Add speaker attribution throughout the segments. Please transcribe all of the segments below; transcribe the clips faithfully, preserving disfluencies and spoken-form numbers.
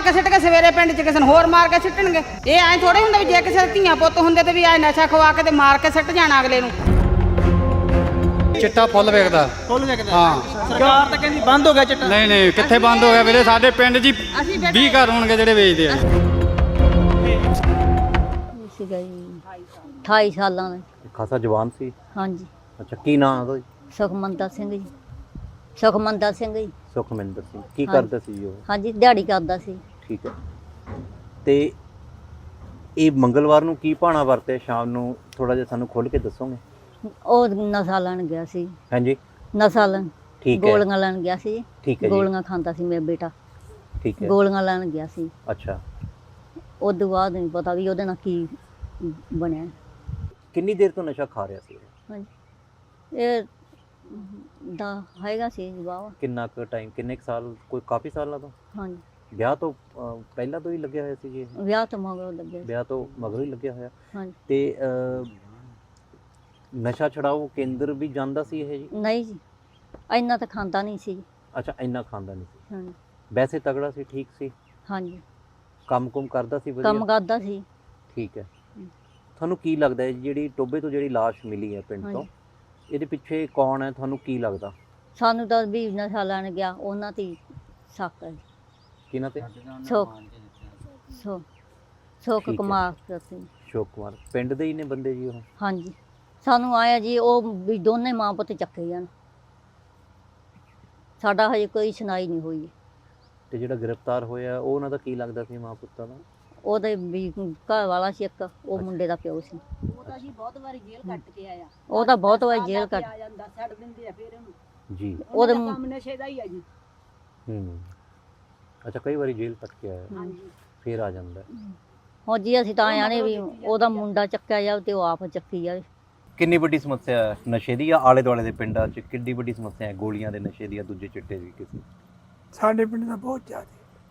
Speaker 1: ਕੇ ਸਿੱਟ ਕੇ ਸਵੇਰੇ ਪਿੰਡ 'ਚ ਕਿਸੇ ਨੂੰ ਹੋਰ ਮਾਰ ਕੇ ਸਿੱਟਣਗੇ। ਇਹ ਐਂ ਥੋੜੇ ਹੁੰਦਾ ਵੀ ਜੇ ਕਿਸੇ ਦੇ ਧੀਆਂ ਪੁੱਤ ਹੁੰਦੇ ਤੇ ਵੀ ਐ ਨਸ਼ਾ ਖਵਾ ਕੇ ਤੇ ਮਾਰ ਕੇ ਸਿੱਟ ਜਾਣਾ ਅਗਲੇ ਨੂੰ।
Speaker 2: ਚਿੱਟਾ ਫੁੱਲ ਵੇਖਦਾ
Speaker 3: ਫੁੱਲ ਵੇਖਦਾ
Speaker 2: ਹਾਂ।
Speaker 3: ਸਰਕਾਰ ਤਾਂ ਕਹਿੰਦੀ ਬੰਦ ਹੋ ਗਿਆ ਚਿੱਟਾ।
Speaker 2: ਨਹੀਂ ਨਹੀਂ ਕਿੱਥੇ ਬੰਦ ਹੋ ਗਿਆ ਵੀਰੇ, ਸਾਡੇ ਪਿੰਡ 'ਚ ਹੀ ਵੀਹ ਘਰ ਹੋਣਗੇ ਜਿਹੜੇ ਵੇਚਦੇ ਆ।
Speaker 4: ਸੀਗਾ ਜੀ ਅਠਾਈ ਸਾਲਾਂ ਦਾ।
Speaker 5: ਖਾਸਾ ਜਵਾਨ ਸੀ।
Speaker 4: ਹਾਂਜੀ।
Speaker 5: ਅੱਛਾ ਕੀ ਨਾਮ ਉਹਦਾ ਜੀ?
Speaker 4: ਸੁਖਮੰਦਰ ਸਿੰਘ ਜੀ। ਸੁਖਮੰਦਰ ਸਿੰਘ ਜੀ।
Speaker 5: ਸੁਖਮਿੰਦਰ ਸਿੰਘ। ਕੀ ਕਰਦਾ ਸੀ ਜੀ ਉਹ?
Speaker 4: ਹਾਂਜੀ ਦਿਹਾੜੀ ਕਰਦਾ ਸੀ।
Speaker 5: ਠੀਕ ਹੈ। ਤੇ ਇਹ ਮੰਗਲਵਾਰ ਨੂੰ ਕੀ ਭਾਣਾ ਵਰਤਿਆ ਸ਼ਾਮ ਨੂੰ, ਥੋੜਾ ਜਿਹਾ ਸਾਨੂੰ ਖੁੱਲ ਕੇ ਦੱਸੋਗੇ?
Speaker 4: ਉਹ ਨਸ਼ਾ ਲੈਣ ਗਿਆ ਸੀ।
Speaker 5: ਹਾਂਜੀ
Speaker 4: ਨਸ਼ਾ ਲੈਣ।
Speaker 5: ਠੀਕ ਹੈ।
Speaker 4: ਗੋਲੀਆਂ ਲੈਣ ਗਿਆ ਸੀ।
Speaker 5: ਠੀਕ ਹੈ ਜੀ।
Speaker 4: ਗੋਲੀਆਂ ਖਾਂਦਾ ਸੀ ਮੇਰਾ ਬੇਟਾ।
Speaker 5: ਠੀਕ ਹੈ।
Speaker 4: ਗੋਲੀਆਂ ਲੈਣ ਗਿਆ ਸੀ।
Speaker 5: ਅੱਛਾ।
Speaker 4: ਉਸ ਤੋਂ ਬਾਅਦ ਨਹੀਂ ਪਤਾ ਵੀ ਉਹਦੇ ਨਾਲ ਕੀ ਬਣਿਆ।
Speaker 5: ਕਿੰਨੀ ਦੇਰ ਤੋਂ ਨਸ਼ਾ ਖਾ ਰਿਹਾ ਸੀ ਇਹ?
Speaker 4: ਹਾਂਜੀ ਇਹ ਦਾ ਹੈਗਾ ਸੀ ਜਵਾਬ।
Speaker 5: ਕਿੰਨਾ ਕੁ ਟਾਈਮ, ਕਿੰਨੇ ਕੁ ਸਾਲ, ਕੋਈ ਕਾਫੀ ਸਾਲਾਂ ਤੋਂ?
Speaker 4: ਹਾਂਜੀ
Speaker 5: ਵਿਆਹ ਤੋਂ ਅਹ, ਪਹਿਲਾਂ ਤੋਂ ਹੀ ਲੱਗਿਆ ਹੋਇਆ ਸੀ ਜੀ ਇਹ?
Speaker 4: ਵਿਆਹ ਤੋਂ ਮਗਰੋਂ ਲੱਗਿਆ ਸੀ।
Speaker 5: ਵਿਆਹ ਤੋਂ ਮਗਰੋਂ ਹੀ ਲੱਗਿਆ ਹੋਇਆ।
Speaker 4: ਹਾਂਜੀ।
Speaker 5: ਤੇ ਅਹ, ਨਸ਼ਾ ਛਡਾਓ ਕੇਂਦਰ ਵੀ ਜਾਂਦਾ ਸੀ ਇਹ ਜੀ?
Speaker 4: ਨਹੀਂ ਜੀ ਇੰਨਾ ਤਾਂ ਖਾਂਦਾ ਨਹੀਂ ਸੀ।
Speaker 5: ਅੱਛਾ ਇੰਨਾ ਖਾਂਦਾ ਨਹੀਂ ਸੀ।
Speaker 4: ਹਾਂਜੀ
Speaker 5: ਵੈਸੇ ਤਗੜਾ ਸੀ, ਠੀਕ ਸੀ,
Speaker 4: ਹਾਂਜੀ
Speaker 5: ਕੰਮ ਕੁਮ ਕਰਦਾ ਸੀ ਵਧੀਆ?
Speaker 4: ਕੰਮ ਕਰਦਾ ਸੀ।
Speaker 5: ਠੀਕ ਹੈ। ਤੁਹਾਨੂੰ ਕੀ ਲੱਗਦਾ ਹੈ ਜਿਹੜੀ ਟੋਬੇ ਤੋਂ ਜਿਹੜੀ ਲਾਸ਼ ਮਿਲੀ ਹੈ ਪਿੰਡ ਤੋਂ, ਇਹਦੇ ਪਿੱਛੇ ਕੌਣ ਹੈ, ਤੁਹਾਨੂੰ ਕੀ ਲੱਗਦਾ?
Speaker 4: ਸਾਨੂੰ ਤਾਂ ਵੀ ਨਸ਼ਾ ਲੈਣ ਗਿਆ ਉਹਨਾਂ ਤੇ ਸ਼ੱਕ ਹੈ।
Speaker 5: ਕਿਹਨਾਂ ਤੇ?
Speaker 4: ਸੁੱਖ ਸੁੱਖ ਸੁੱਖ
Speaker 5: ਠੀਕ ਹੈ।
Speaker 4: ਕੁਮਾਰ ਸੀ।
Speaker 5: ਅਸ਼ੋਕ ਕੁਮਾਰ ਪਿੰਡ ਦੇ ਹੀ ਨੇ ਬੰਦੇ ਜੀ ਉਹ?
Speaker 4: ਹਾਂਜੀ ਸਾਨੂੰ ਆਇਆ ਜੀ ਉਹ ਵੀ ਦੋਨੇ ਮਾਂ ਪੁੱਤ ਚੱਕੇ ਜਾਣ, ਸਾਡਾ ਹਜੇ ਕੋਈ ਸੁਣਾਈ ਨਹੀਂ ਹੋਈ।
Speaker 5: ਤੇ ਜਿਹੜਾ ਗ੍ਰਿਫਤਾਰ ਹੋਇਆ ਉਹ ਉਹਨਾਂ ਦਾ ਕੀ ਲੱਗਦਾ ਸੀ, ਮਾਂ ਪੁੱਤਾਂ ਦਾ?
Speaker 4: ਉਹਦੇ ਵੀ ਘਰ ਵਾਲਾ ਸੀ ਇੱਕ, ਉਹ ਮੁੰਡੇ ਦਾ ਪਿਓ ਸੀ।
Speaker 1: ਉਹ ਤਾਂ ਜੀ ਬਹੁਤ ਵਾਰੀ ਜੇਲ੍ਹ ਕੱਟ ਕੇ ਆਇਆ।
Speaker 4: ਉਹ ਤਾਂ ਬਹੁਤ ਵਾਰੀ ਜੇਲ੍ਹ ਕੱਟ
Speaker 1: ਆ ਜਾਂਦਾ, ਛੱਡ ਦਿੰਦੇ ਆ ਫਿਰ ਉਹਨੂੰ।
Speaker 5: ਜੀ।
Speaker 4: ਉਹਦੇ
Speaker 1: ਕੰਮ ਨਸ਼ੇ ਦਾ ਹੀ ਆ ਜੀ।
Speaker 5: ਹੂੰ। ਅੱਛਾ ਕਈ ਵਾਰੀ ਜੇਲ੍ਹ ਕੱਟ ਕੇ ਆਇਆ
Speaker 1: ਹਾਂਜੀ।
Speaker 5: ਫਿਰ ਆ ਜਾਂਦਾ।
Speaker 4: ਹੁਣ ਜੀ ਅਸੀਂ ਤਾਂ ਆਇਆ ਨੇ ਵੀ ਉਹਦਾ ਮੁੰਡਾ ਚੱਕਿਆ ਜਾਵੇ ਤੇ ਉਹ ਆਪ ਚੱਕੀ ਜਾਵੇ।
Speaker 5: ਕਿੰਨੀ ਵੱਡੀ ਸਮੱਸਿਆ ਹੈ ਨਸ਼ੇ ਦੀ, ਜਾਂ ਆਲੇ ਦੁਆਲੇ ਦੇ ਪਿੰਡਾਂ 'ਚ ਕਿੰਨੀ ਵੱਡੀ ਸਮੱਸਿਆ ਹੈ ਗੋਲੀਆਂ ਦੇ ਨਸ਼ੇ ਦੀ ਜਾਂ ਦੂਜੇ ਚਿੱਟੇ ਦੀ ਕਿਸੇ?
Speaker 6: ਸਾਡੇ ਪਿੰਡ ਦਾ ਬਹੁਤ ਜ਼ਿਆਦਾ,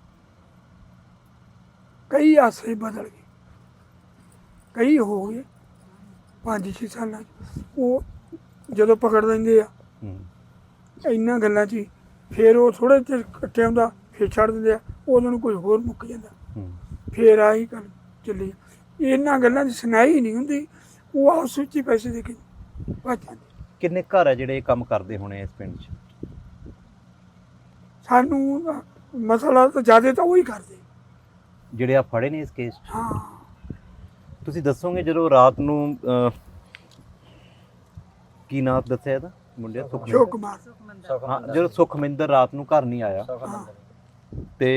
Speaker 6: ਕਈ ਆਸਰੇ ਬਦਲ ਗਏ, ਕਈ ਹੋ ਗਏ ਪੰਜ ਛੇ ਸਾਲਾਂ 'ਚ। ਉਹ ਜਦੋਂ ਪਕੜ ਲੈਂਦੇ ਆ
Speaker 5: ਹੂੰ।
Speaker 6: ਇੰਨਾ ਗੱਲਾਂ 'ਚ ਹੀ, ਫਿਰ ਉਹ ਥੋੜ੍ਹੇ ਚਿਰ ਇਕੱਠੇ ਹੁੰਦਾ ਫਿਰ ਛੱਡ ਦਿੰਦੇ ਆ, ਉਹਨਾਂ ਨੂੰ ਕੋਈ ਹੋਰ ਮੁੱਕ ਜਾਂਦਾ,
Speaker 5: ਹੂੰ।
Speaker 6: ਫਿਰ ਆਹੀ ਗੱਲ ਚੱਲੀ। ਇਹਨਾਂ ਗੱਲਾਂ 'ਚ ਸੁਣਾਈ ਨਹੀਂ ਹੁੰਦੀ, ਉਹ ਆਪਸ ਵਿੱਚ ਹੀ ਪੈਸੇ ਦੇ ਕੇ ਭੱਜ ਜਾਂਦੇ।
Speaker 5: ਕਿੰਨੇ ਘਰ ਹੈ ਜਿਹੜੇ ਇਹ ਕੰਮ ਕਰਦੇ ਹੋਣੇ ਇਸ ਪਿੰਡ 'ਚ?
Speaker 6: ਸਾਨੂੰ ਮਸਲਾ ਤਾਂ ਜ਼ਿਆਦਾ ਤਾਂ ਉਹੀ ਕਰਦੇ।
Speaker 5: ਜਿਹੜੇ ਆ ਫੜੇ ਨੇ ਇਸ ਕੇਸ 'ਚ?
Speaker 6: ਹਾਂ
Speaker 5: ਤੁਸੀਂ ਦੱਸੋਗੇ ਜਦੋਂ ਰਾਤ ਨੂੰ ਅਹ, ਕੀ ਨਾਮ ਦੱਸਿਆ ਇਹਦਾ ਮੁੰਡੇ ਦਾ?
Speaker 6: ਅਸ਼ੋਕ ਕੁਮਾਰ।
Speaker 5: ਹਾਂ ਜਦੋਂ ਸੁਖਮਿੰਦਰ ਰਾਤ ਨੂੰ ਘਰ ਨਹੀਂ ਆਇਆ
Speaker 6: ਹਾਂ
Speaker 5: ਤੇ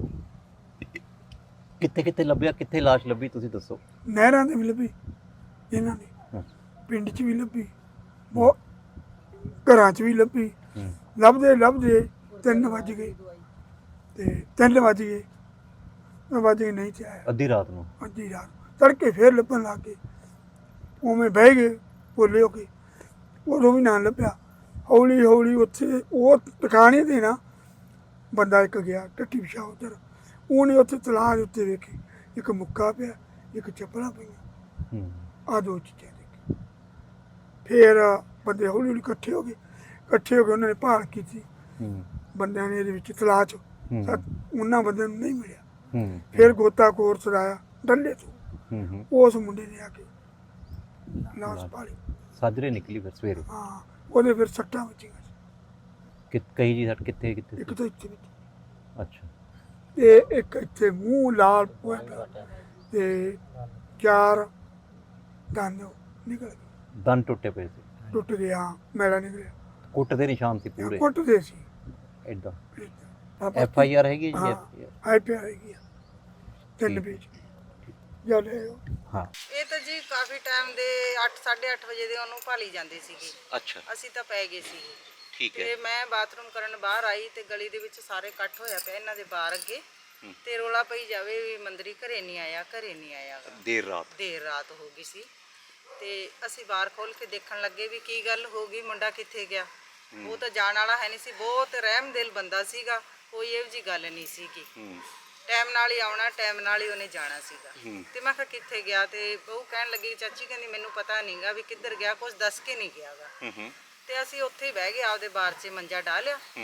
Speaker 5: ਕਿੱਥੇ ਕਿੱਥੇ ਲੱਭਿਆ, ਕਿੱਥੇ ਲਾਸ਼ ਲੱਭੀ ਤੁਸੀਂ ਦੱਸੋ?
Speaker 6: ਨਹਿਰਾਂ ਦੇ ਵੀ ਲੱਭੀ, ਇਹਨਾਂ ਦੇ
Speaker 5: ਹਾਂ।
Speaker 6: ਪਿੰਡ 'ਚ ਵੀ ਲੱਭੀ, ਬਹੁਤ ਘਰਾਂ 'ਚ ਵੀ ਲੱਭੀ।
Speaker 5: ਹੂੰ।
Speaker 6: ਲੱਭਦੇ ਲੱਭਦੇ ਤਿੰਨ ਵੱਜ ਗਏ, ਤੇ ਤਿੰਨ ਵੱਜ ਗਏ ਵੱਜ ਗਏ ਨਹੀਂ ਤੇ ਆਇਆ।
Speaker 5: ਅੱਧੀ ਰਾਤ ਨੂੰ?
Speaker 6: ਅੱਧੀ ਰਾਤ ਤੜਕੇ ਫੇਰ ਲੱਭਣ ਲੱਗ ਗਏ, ਉਵੇਂ ਬਹਿ ਗਏ ਭੋਲੇ ਹੋ ਕੇ, ਉਦੋਂ ਵੀ ਨਾ ਲੱਭਿਆ। ਹੌਲੀ ਹੌਲੀ ਉੱਥੇ ਉਹ ਟਿਕਾਣੇ 'ਤੇ ਨਾ ਬੰਦਾ ਇੱਕ ਗਿਆ ਟੱਟੀ ਪਿਛਾ ਉੱਧਰ, ਉਹਨੇ ਉੱਥੇ ਤਲਾਅ ਦੇ ਉੱਤੇ ਵੇਖੀ ਇੱਕ ਮੁੱਕਾ ਪਿਆ, ਇੱਕ ਚੱਪਲਾਂ ਪਈਆਂ,
Speaker 5: ਹੂੰ।
Speaker 6: ਆਹ ਦੋ ਚੀਜ਼ਾਂ ਦੇਖੀ। ਫਿਰ ਬੰਦੇ ਹੌਲੀ ਹੌਲੀ ਇਕੱਠੇ ਹੋ ਗਏ, ਇਕੱਠੇ ਹੋ ਕੇ ਉਹਨਾਂ ਨੇ ਭਾਲ ਕੀਤੀ
Speaker 5: ਹੂੰ।
Speaker 6: ਬੰਦਿਆਂ ਨੇ ਇਹਦੇ ਵਿੱਚ ਤਲਾਅ 'ਚ,
Speaker 5: ਹੂੰ।
Speaker 6: ਤਾਂ ਉਹਨਾਂ ਬੰਦਿਆਂ ਨੂੰ ਨਹੀਂ ਮਿਲਿਆ।
Speaker 5: ਹੂੰ।
Speaker 6: ਫਿਰ ਗੋਤਾਖੋਰ ਚਲਾਇਆ ਡੱਲੇ ਤੋਂ,
Speaker 5: ਹੂੰ। ਹੂੰ।
Speaker 6: ਉਸ ਮੁੰਡੇ ਨੇ ਆ ਕੇ ਲਾਸ਼ ਪਾਲੀ।
Speaker 5: ਸਾਜਰੇ ਨਿਕਲੀ ਫਿਰ ਸਵੇਰੇ?
Speaker 6: ਹਾਂ ਉਹਦੇ ਫਿਰ ਸੱਟਾਂ ਵੱਜੀਆਂ,
Speaker 5: ਕਿ ਕਈ ਜੀ ਸੱਟ ਕਿੱਥੇ ਕਿੱਥੇ
Speaker 6: ਇੱਕ
Speaker 5: ਸੀ?
Speaker 6: ਤਾਂ ਇੱਥੇ ਵਿੱਚ
Speaker 5: ਅੱਛਾ।
Speaker 6: ਤੇ ਇੱਕ ਇੱਥੇ ਮੂੰਹ ਲਾਲ ਹੋਇਆ ਪਿਆ, ਤੇ ਚਾਰ ਦੰਦ ਨਿਕਲ ਗਏ,
Speaker 5: ਦੰਦ ਟੁੱਟੇ ਪਏ ਸੀ?
Speaker 6: ਟੁੱਟ ਗਿਆ, ਮੈਲਾ ਨਿਕਲਿਆ।
Speaker 5: ਕੁੱਟ ਦੇ ਨਿਸ਼ਾਨ ਸੀ ਪੂਰੇ?
Speaker 6: ਕੁੱਟਦੇ ਸੀ।
Speaker 5: ਐਦਾਂ?
Speaker 6: ਆਪਾਂ
Speaker 5: ਐਫ ਆਈ ਆਰ ਹੈਗੀ ਜੀ?
Speaker 6: ਹਾਂ
Speaker 5: F I R?
Speaker 6: I P R ਹੈਗੀ ਆ ਤਿੰਨ ਪੇਜ ਜਦ
Speaker 5: ਹਾਂ।
Speaker 1: ਇਹ ਤਾਂ ਜੀ ਕਾਫੀ ਟਾਈਮ ਦੇ ਅੱਠ ਸਾਢੇ ਅੱਠ ਵਜੇ ਦੇ ਉਹਨੂੰ ਭਾਲੀ ਜਾਂਦੇ ਸੀਗੇ।
Speaker 5: ਅੱਛਾ।
Speaker 1: ਅਸੀਂ ਤਾਂ ਪੈ ਗਏ ਸੀ
Speaker 5: ਠੀਕ ਹੈ।
Speaker 1: ਤੇ ਮੈਂ ਬਾਥਰੂਮ ਕਰਨ ਬਾਹਰ ਆਈ ਤੇ ਗਲੀ ਦੇ ਵਿੱਚ ਸਾਰੇ ਇਕੱਠ ਹੋਇਆ ਪਿਆ ਇਹਨਾਂ ਦੇ ਬਾਹਰ ਅੱਗੇ, ਤੇ ਰੋਲਾ ਪਈ ਜਾਵੇ ਵੀ ਮੰਦਰੀ ਘਰੇ ਨਹੀਂ ਆਇਆ, ਘਰੇ ਨਹੀਂ ਆਇਆ ਗਾ।
Speaker 5: ਦੇਰ ਰਾਤ?
Speaker 1: ਦੇਰ ਰਾਤ ਹੋ ਗਈ ਸੀ, ਤੇ ਅਸੀਂ ਬਾਹਰ ਖੋਲ ਕੇ ਦੇਖਣ ਲੱਗੇ ਵੀ ਕੀ ਗੱਲ ਹੋ ਗਈ, ਮੁੰਡਾ ਕਿੱਥੇ ਗਿਆ। ਉਹ ਤਾਂ ਜਾਣ ਵਾਲਾ ਹੈ ਨਹੀਂ ਸੀ, ਬਹੁਤ ਰਹਿਮਦਿਲ ਬੰਦਾ ਸੀਗਾ, ਕੋਈ ਇਹੋ ਜਿਹੀ ਗੱਲ ਨਹੀਂ ਸੀਗੀ। ਟਾਈਮ ਨਾਲ ਹੀ ਆਉਣਾ, ਟਾਈਮ ਨਾਲ ਹੀ ਉਹਨੇ ਜਾਣਾ ਸੀਗਾ। ਤੇ ਮੈਂ ਕਿਹਾ ਕਿੱਥੇ ਗਿਆ, ਤੇ ਬਹੂ ਕਹਿਣ ਲੱਗੀ ਚਾਚੀ ਕਹਿੰਦੀ ਮੈਨੂੰ ਪਤਾ ਨਹੀਂਗਾ ਵੀ ਕਿੱਧਰ ਗਿਆ, ਕੁਝ ਦੱਸ ਕੇ ਨਹੀਂ ਗਿਆਗਾ। ਤੇ ਅਸੀਂ ਉੱਥੇ ਹੀ ਬਹਿ ਗਏ, ਆਪਦੇ ਬਾਰ 'ਚ ਮੰਜਾ ਢਾ ਲਿਆ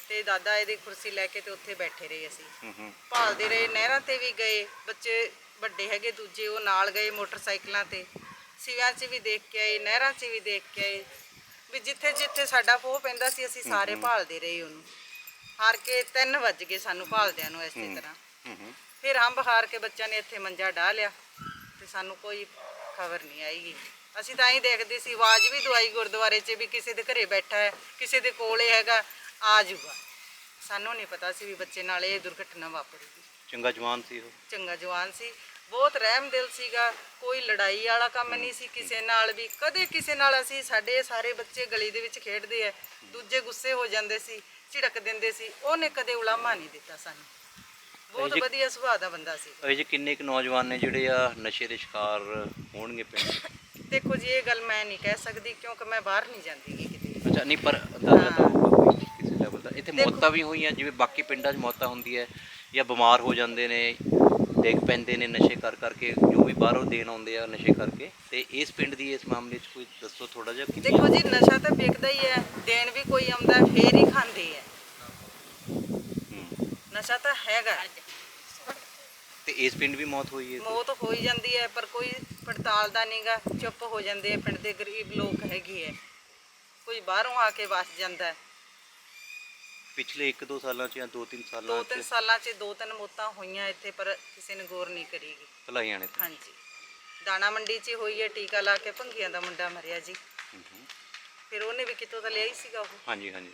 Speaker 1: ਤੇ ਦਾਦਾ ਇਹਦੀ ਕੁਰਸੀ ਲੈ ਕੇ ਤੇ ਉੱਥੇ ਬੈਠੇ ਰਹੇ ਅਸੀਂ।
Speaker 5: ਹੂੰ ਹੂੰ
Speaker 1: ਭਾਲਦੇ ਰਹੇ, ਨਹਿਰਾਂ ਤੇ ਵੀ ਗਏ, ਬੱਚੇ ਵੱਡੇ ਹੈਗੇ ਦੂਜੇ ਉਹ ਨਾਲ ਗਏ ਮੋਟਰਸਾਈਕਲਾਂ ਤੇ, ਸਿਵਿਆਂ 'ਚ ਵੀ ਦੇਖ ਕੇ ਆਏ, ਨਹਿਰਾਂ 'ਚ ਵੀ ਦੇਖ ਕੇ ਆਏ, ਵੀ ਜਿੱਥੇ ਜਿੱਥੇ ਸਾਡਾ ਪੋਹ ਪੈਂਦਾ ਸੀ ਅਸੀਂ ਸਾਰੇ ਭਾਲਦੇ ਰਹੇ ਉਹਨੂੰ। ਹਾਰ ਕੇ ਤਿੰਨ ਵੱਜ ਗਏ ਸਾਨੂੰ ਭਾਲਦਿਆਂ ਨੂੰ ਇਸੇ ਤਰ੍ਹਾਂ।
Speaker 5: ਹੂੰ ਹੂੰ
Speaker 1: ਫਿਰ ਹੰਬ ਹਾਰ ਕੇ ਬੱਚਿਆਂ ਨੇ ਇੱਥੇ ਮੰਜਾ ਢਾ ਲਿਆ ਤੇ ਸਾਨੂੰ ਕੋਈ ਖਬਰ ਨਹੀਂ ਆਈਗੀ। ਅਸੀਂ ਤਾਂ ਹੀ ਦੇਖਦੇ ਸੀ, ਆਵਾਜ਼ ਵੀ ਦਵਾਈ ਗੁਰਦੁਆਰੇ 'ਚ ਵੀ ਕਿਸੇ ਦੇ ਘਰੇ ਬੈਠਾ ਹੈ, ਕਿਸੇ ਦੇ ਕੋਲੇ ਹੈਗਾ, ਆ ਜਾਊਗਾ। ਸਾਨੂੰ ਨਹੀਂ ਪਤਾ ਸੀ ਵੀ ਬੱਚੇ ਨਾਲ ਇਹ ਦੁਰਘਟਨਾ ਵਾਪਰੂਗੀ।
Speaker 5: ਚੰਗਾ ਜਵਾਨ ਸੀ ਉਹ।
Speaker 1: ਚੰਗਾ ਜਵਾਨ ਸੀ, ਬਹੁਤ ਰਹਿਮਦਿਲ ਸੀਗਾ, ਕੋਈ ਲੜਾਈ ਵਾਲਾ ਕੰਮ ਨਹੀਂ ਸੀ ਕਿਸੇ ਨਾਲ ਵੀ। ਕਦੇ ਕਿਸੇ ਨਾਲ ਅਸੀਂ, ਸਾਡੇ ਸਾਰੇ ਬੱਚੇ ਗਲੀ ਦੇ ਵਿੱਚ ਖੇਡਦੇ ਆ, ਦੂਜੇ ਗੁੱਸੇ ਹੋ ਜਾਂਦੇ ਸੀ, ਝਿੜਕ ਦਿੰਦੇ ਸੀ, ਉਹਨੇ ਕਦੇ ਉਲਾਮਾ ਨਹੀਂ ਦਿੱਤਾ ਸਾਨੂੰ। ਬਹੁਤ ਵਧੀਆ ਸੁਭਾਅ ਦਾ ਬੰਦਾ ਸੀ।
Speaker 5: ਇਹ ਜੇ ਕਿੰਨੇ ਕੁ ਨੌਜਵਾਨ ਨੇ ਜਿਹੜੇ ਆ ਨਸ਼ੇ ਦੇ ਸ਼ਿਕਾਰ ਹੋਣਗੇ ਪਿੰਡ?
Speaker 1: ਦੇਖੋ ਜੀ ਇਹ ਗੱਲ ਮੈਂ ਨਹੀਂ ਕਹਿ ਸਕਦੀ ਕਿਉਂਕਿ ਮੈਂ ਬਾਹਰ ਨਹੀਂ ਜਾਂਦੀ ਗੀ ਕਿਤੇ।
Speaker 5: ਅੱਛਾ, ਨਹੀਂ ਪਰ ਅੰਦਾਜ਼ਾ ਤਾਂ ਹੋਊਗਾ ਕੋਈ ਕਿਸੇ ਲੈਵਲ ਦਾ। ਇੱਥੇ ਮੌਤਾਂ ਵੀ ਹੋਈਆਂ ਜਿਵੇਂ ਬਾਕੀ ਪਿੰਡਾਂ 'ਚ ਮੌਤਾਂ ਹੁੰਦੀ ਹੈ, ਜਾਂ ਬਿਮਾਰ ਹੋ ਜਾਂਦੇ ਨੇ, ਡਿੱਗ ਪੈਂਦੇ ਨੇ ਨਸ਼ੇ ਕਰ ਕਰਕੇ, ਜੋ ਵੀ ਬਾਹਰੋਂ ਦੇਣ ਆਉਂਦੇ ਆ ਨਸ਼ੇ ਕਰਕੇ। ਤੇ ਇਸ ਪਿੰਡ ਦੀ ਇਸ ਮਾਮਲੇ 'ਚ ਕੋਈ ਦੱਸੋ ਥੋੜਾ ਜਿਹਾ। ਕਿ
Speaker 1: ਦੇਖੋ ਜੀ ਨਸ਼ਾ ਤਾਂ ਵਿਕਦਾ ਹੀ ਹੈ, ਦੇਣ ਵੀ ਕੋਈ ਆਉਂਦਾ ਫੇਰ ਹੀ ਖਾਂਦੇ ਆ। ਨਸ਼ਾ ਤਾਂ ਹੈਗਾ,
Speaker 5: ਤੇ ਇਸ ਪਿੰਡ ਵੀ ਮੌਤ ਹੋਈ ਹੈ?
Speaker 1: ਮੌਤ ਹੋ ਹੀ ਜਾਂਦੀ ਹੈ ਪਰ ਕੋਈ ਪੜਤਾਲ ਦਾ ਨਹੀਂਗਾ, ਚੁੱਪ ਹੋ ਜਾਂਦੇ ਆ। ਪਿੰਡ ਦੇ ਗਰੀਬ ਲੋਕ ਹੈਗੇ ਹੈ, ਕੋਈ ਬਾਹਰੋਂ ਆ ਕੇ ਵਸ ਜਾਂਦਾ ਹੈ।
Speaker 5: ਪਿਛਲੇ ਇੱਕ ਦੋ ਸਾਲਾਂ 'ਚ ਜਾਂ ਦੋ ਤਿੰਨ ਸਾਲਾਂ
Speaker 1: ਦੋ
Speaker 5: 'ਚ
Speaker 1: ਤਿੰਨ ਸਾਲਾਂ 'ਚ ਦੋ ਤਿੰਨ ਮੌਤਾਂ ਹੋਈਆਂ ਇੱਥੇ, ਪਰ ਕਿਸੇ ਨੇ ਗੌਰ ਨਹੀਂ ਕਰੀਗੀ।
Speaker 5: ਭਲਾਈਆਂ ਨੇ ਤੇ।
Speaker 1: ਹਾਂਜੀ, ਦਾਣਾ ਮੰਡੀ 'ਚ ਹੋਈ ਹੈ, ਟੀਕਾ ਲਾ ਕੇ ਭੰਗੀਆਂ ਦਾ ਮੁੰਡਾ ਮਰਿਆ ਜੀ।
Speaker 5: ਹੂੰ ਹੂੰ
Speaker 1: ਫਿਰ ਉਹਨੇ ਵੀ ਕਿਤੋਂ ਤਾਂ ਲਿਆ ਹੀ ਸੀਗਾ ਉਹ।
Speaker 5: ਹਾਂਜੀ ਹਾਂਜੀ,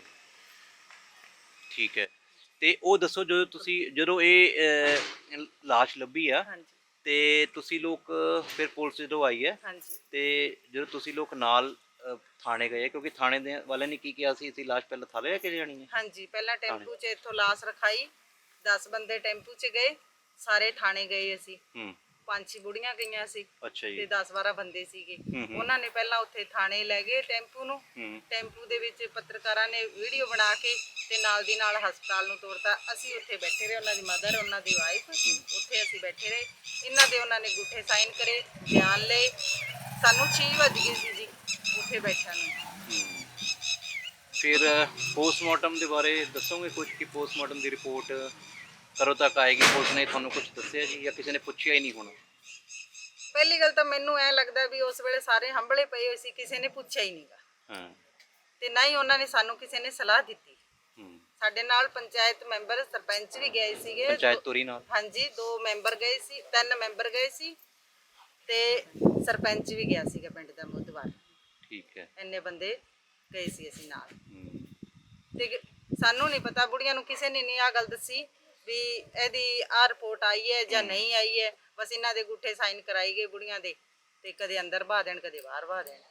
Speaker 5: ਠੀਕ ਹੈ। ਤੇ ਉਹ ਦੱਸੋ, ਜਦੋਂ ਤੁਸੀਂ ਜਦੋਂ ਇਹ ਅਹ, ਲਾਸ਼ ਲੱਭੀ ਆ
Speaker 1: ਹਾਂਜੀ
Speaker 5: ਤੇ ਤੁਸੀਂ ਲੋਕ ਫਿਰ ਪੁਲਿਸ ਜਦੋਂ ਆਈ ਹੈ
Speaker 1: ਹਾਂਜੀ
Speaker 5: ਤੇ ਜਦੋਂ ਤੁਸੀਂ ਲੋਕ ਨਾਲ ਅਹ, ਥਾਣੇ ਗਏ, ਕਿਉਂਕਿ ਥਾਣੇ ਦੇ ਵਾਲਿਆਂ ਨੇ ਕੀ ਕਿਹਾ ਸੀ, ਅਸੀਂ ਲਾਸ਼ ਪਹਿਲਾਂ ਥਾਲੇ ਲੈ ਕੇ ਜਾਣੀ ਹੈ?
Speaker 1: ਹਾਂਜੀ, ਪਹਿਲਾਂ ਟੈਂਪੂ 'ਚ ਇੱਥੋਂ ਲਾਸ਼ ਰਖਾਈ, ਦਸ ਬੰਦੇ ਟੈਂਪੂ 'ਚ ਗਏ, ਸਾਰੇ ਥਾਣੇ ਗਏ ਅਸੀਂ।
Speaker 5: ਹੂੰ
Speaker 1: ਪੰਜ ਛੇ ਬੁੜੀਆਂ ਗਈਆਂ ਸੀ
Speaker 5: ਅੱਛਾ
Speaker 1: ਤੇ
Speaker 5: ਜੀ।
Speaker 1: ਦਸ ਬਾਰਾਂ ਬੰਦੇ ਸੀਗੇ।
Speaker 5: ਹੂੰ ਹੂੰ
Speaker 1: ਉਹਨਾਂ ਨੇ ਪਹਿਲਾਂ ਉੱਥੇ ਥਾਣੇ ਲੈ ਗਏ ਟੈਂਪੂ ਨੂੰ।
Speaker 5: ਹੂੰ
Speaker 1: ਟੈਂਪੂ ਦੇ ਵਿੱਚ ਪੱਤਰਕਾਰਾਂ ਨੇ ਵੀਡੀਓ ਬਣਾ ਕੇ ਤੇ ਨਾਲ ਦੀ ਨਾਲ ਹਸਪਤਾਲ ਨੂੰ ਤੋਰਤਾ। ਅਸੀਂ ਉੱਥੇ ਬੈਠੇ ਰਹੇ, ਉਹਨਾਂ ਦੀ ਮਦਰ, ਉਹਨਾਂ ਦੀ ਵਾਈਫ, ਉੱਥੇ ਅਸੀਂ ਬੈਠੇ ਰਹੇ। ਇਹਨਾਂ ਦੇ ਉਹਨਾਂ ਨੇ ਅੰਗੂਠੇ ਸਾਈਨ ਕਰੇ, ਬਿਆਨ ਲਏ। ਸਾਨੂੰ ਛੇ ਵੱਜ ਗਏ ਸੀ ਜੀ ਉੱਥੇ ਬੈਠਿਆਂ ਨੂੰ।
Speaker 5: ਹੂੰ। ਫਿਰ ਪੋਸਟਮਾਰਟਮ ਦੇ ਬਾਰੇ ਦੱਸੋਗੇ ਕੁਝ, ਕਿ ਪੋਸਟਮਾਰਟਮ ਦੀ ਰਿਪੋਰਟ ਕਦੋਂ ਤੱਕ ਆਏਗੀ? ਪੁਲਿਸ ਨੇ ਤੁਹਾਨੂੰ ਕੁਝ ਦੱਸਿਆ ਜੀ, ਜਾਂ ਕਿਸੇ ਨੇ ਪੁੱਛਿਆ ਹੀ ਨਹੀਂ ਹੋਣਾ?
Speaker 1: ਪਹਿਲੀ ਗੱਲ ਤਾਂ ਮੈਨੂੰ ਐ ਲੱਗਦਾ ਵੀ ਉਸ ਵੇਲੇ ਸਾਰੇ ਹੰਭਲੇ ਪਏ ਹੋਏ ਸੀ, ਕਿਸੇ ਨੇ ਪੁੱਛਿਆ ਹੀ ਨਹੀਂਗਾ।
Speaker 5: ਹਾਂ।
Speaker 1: ਤੇ ਨਾ ਹੀ ਉਹਨਾਂ ਨੇ ਸਾਨੂੰ ਕਿਸੇ ਨੇ ਸਲਾਹ ਦਿੱਤੀ।
Speaker 5: ਹੂੰ।
Speaker 1: ਸਾਡੇ ਨਾਲ ਪੰਚਾਇਤ ਮੈਂਬਰ, ਸਰਪੰਚ ਵੀ ਗਏ ਸੀਗੇ।
Speaker 5: ਪੰਚਾਇਤ ਤੋਰੀ ਨਾਲ?
Speaker 1: ਹਾਂਜੀ, ਦੋ ਮੈਂਬਰ ਗਏ ਸੀ, ਤਿੰਨ ਮੈਂਬਰ ਗਏ ਸੀ ਤੇ ਸਰਪੰਚ ਵੀ ਗਿਆ ਸੀਗਾ ਪਿੰਡ ਦਾ ਮੁੱਦਵਾਰ।
Speaker 5: ਠੀਕ ਹੈ।
Speaker 1: ਇੰਨੇ ਬੰਦੇ ਗਏ ਸੀ ਅਸੀਂ ਨਾਲ।
Speaker 5: ਹੂੰ।
Speaker 1: ਤੇ ਸਾਨੂੰ ਨਹੀਂ ਪਤਾ, ਬੁੜੀਆਂ ਨੂੰ ਕਿਸੇ ਨੇ ਨਹੀਂ ਆ ਗੱਲ ਦੱਸੀ ਵੀ ਇਹਦੀ ਆ ਰਿਪੋਰਟ ਆਈ ਹੈ ਜਾਂ ਨਹੀਂ ਆਈ ਹੈ। ਬਸ ਇਹਨਾਂ ਦੇ ਅੰਗੂਠੇ ਸਾਈਨ ਕਰਾਈ ਗਏ ਬੁੜੀਆਂ ਦੇ, ਤੇ ਕਦੇ ਅੰਦਰ ਬਾਹ ਦੇਣ, ਕਦੇ ਬਾਹਰ ਬਾਹ ਦੇਣ।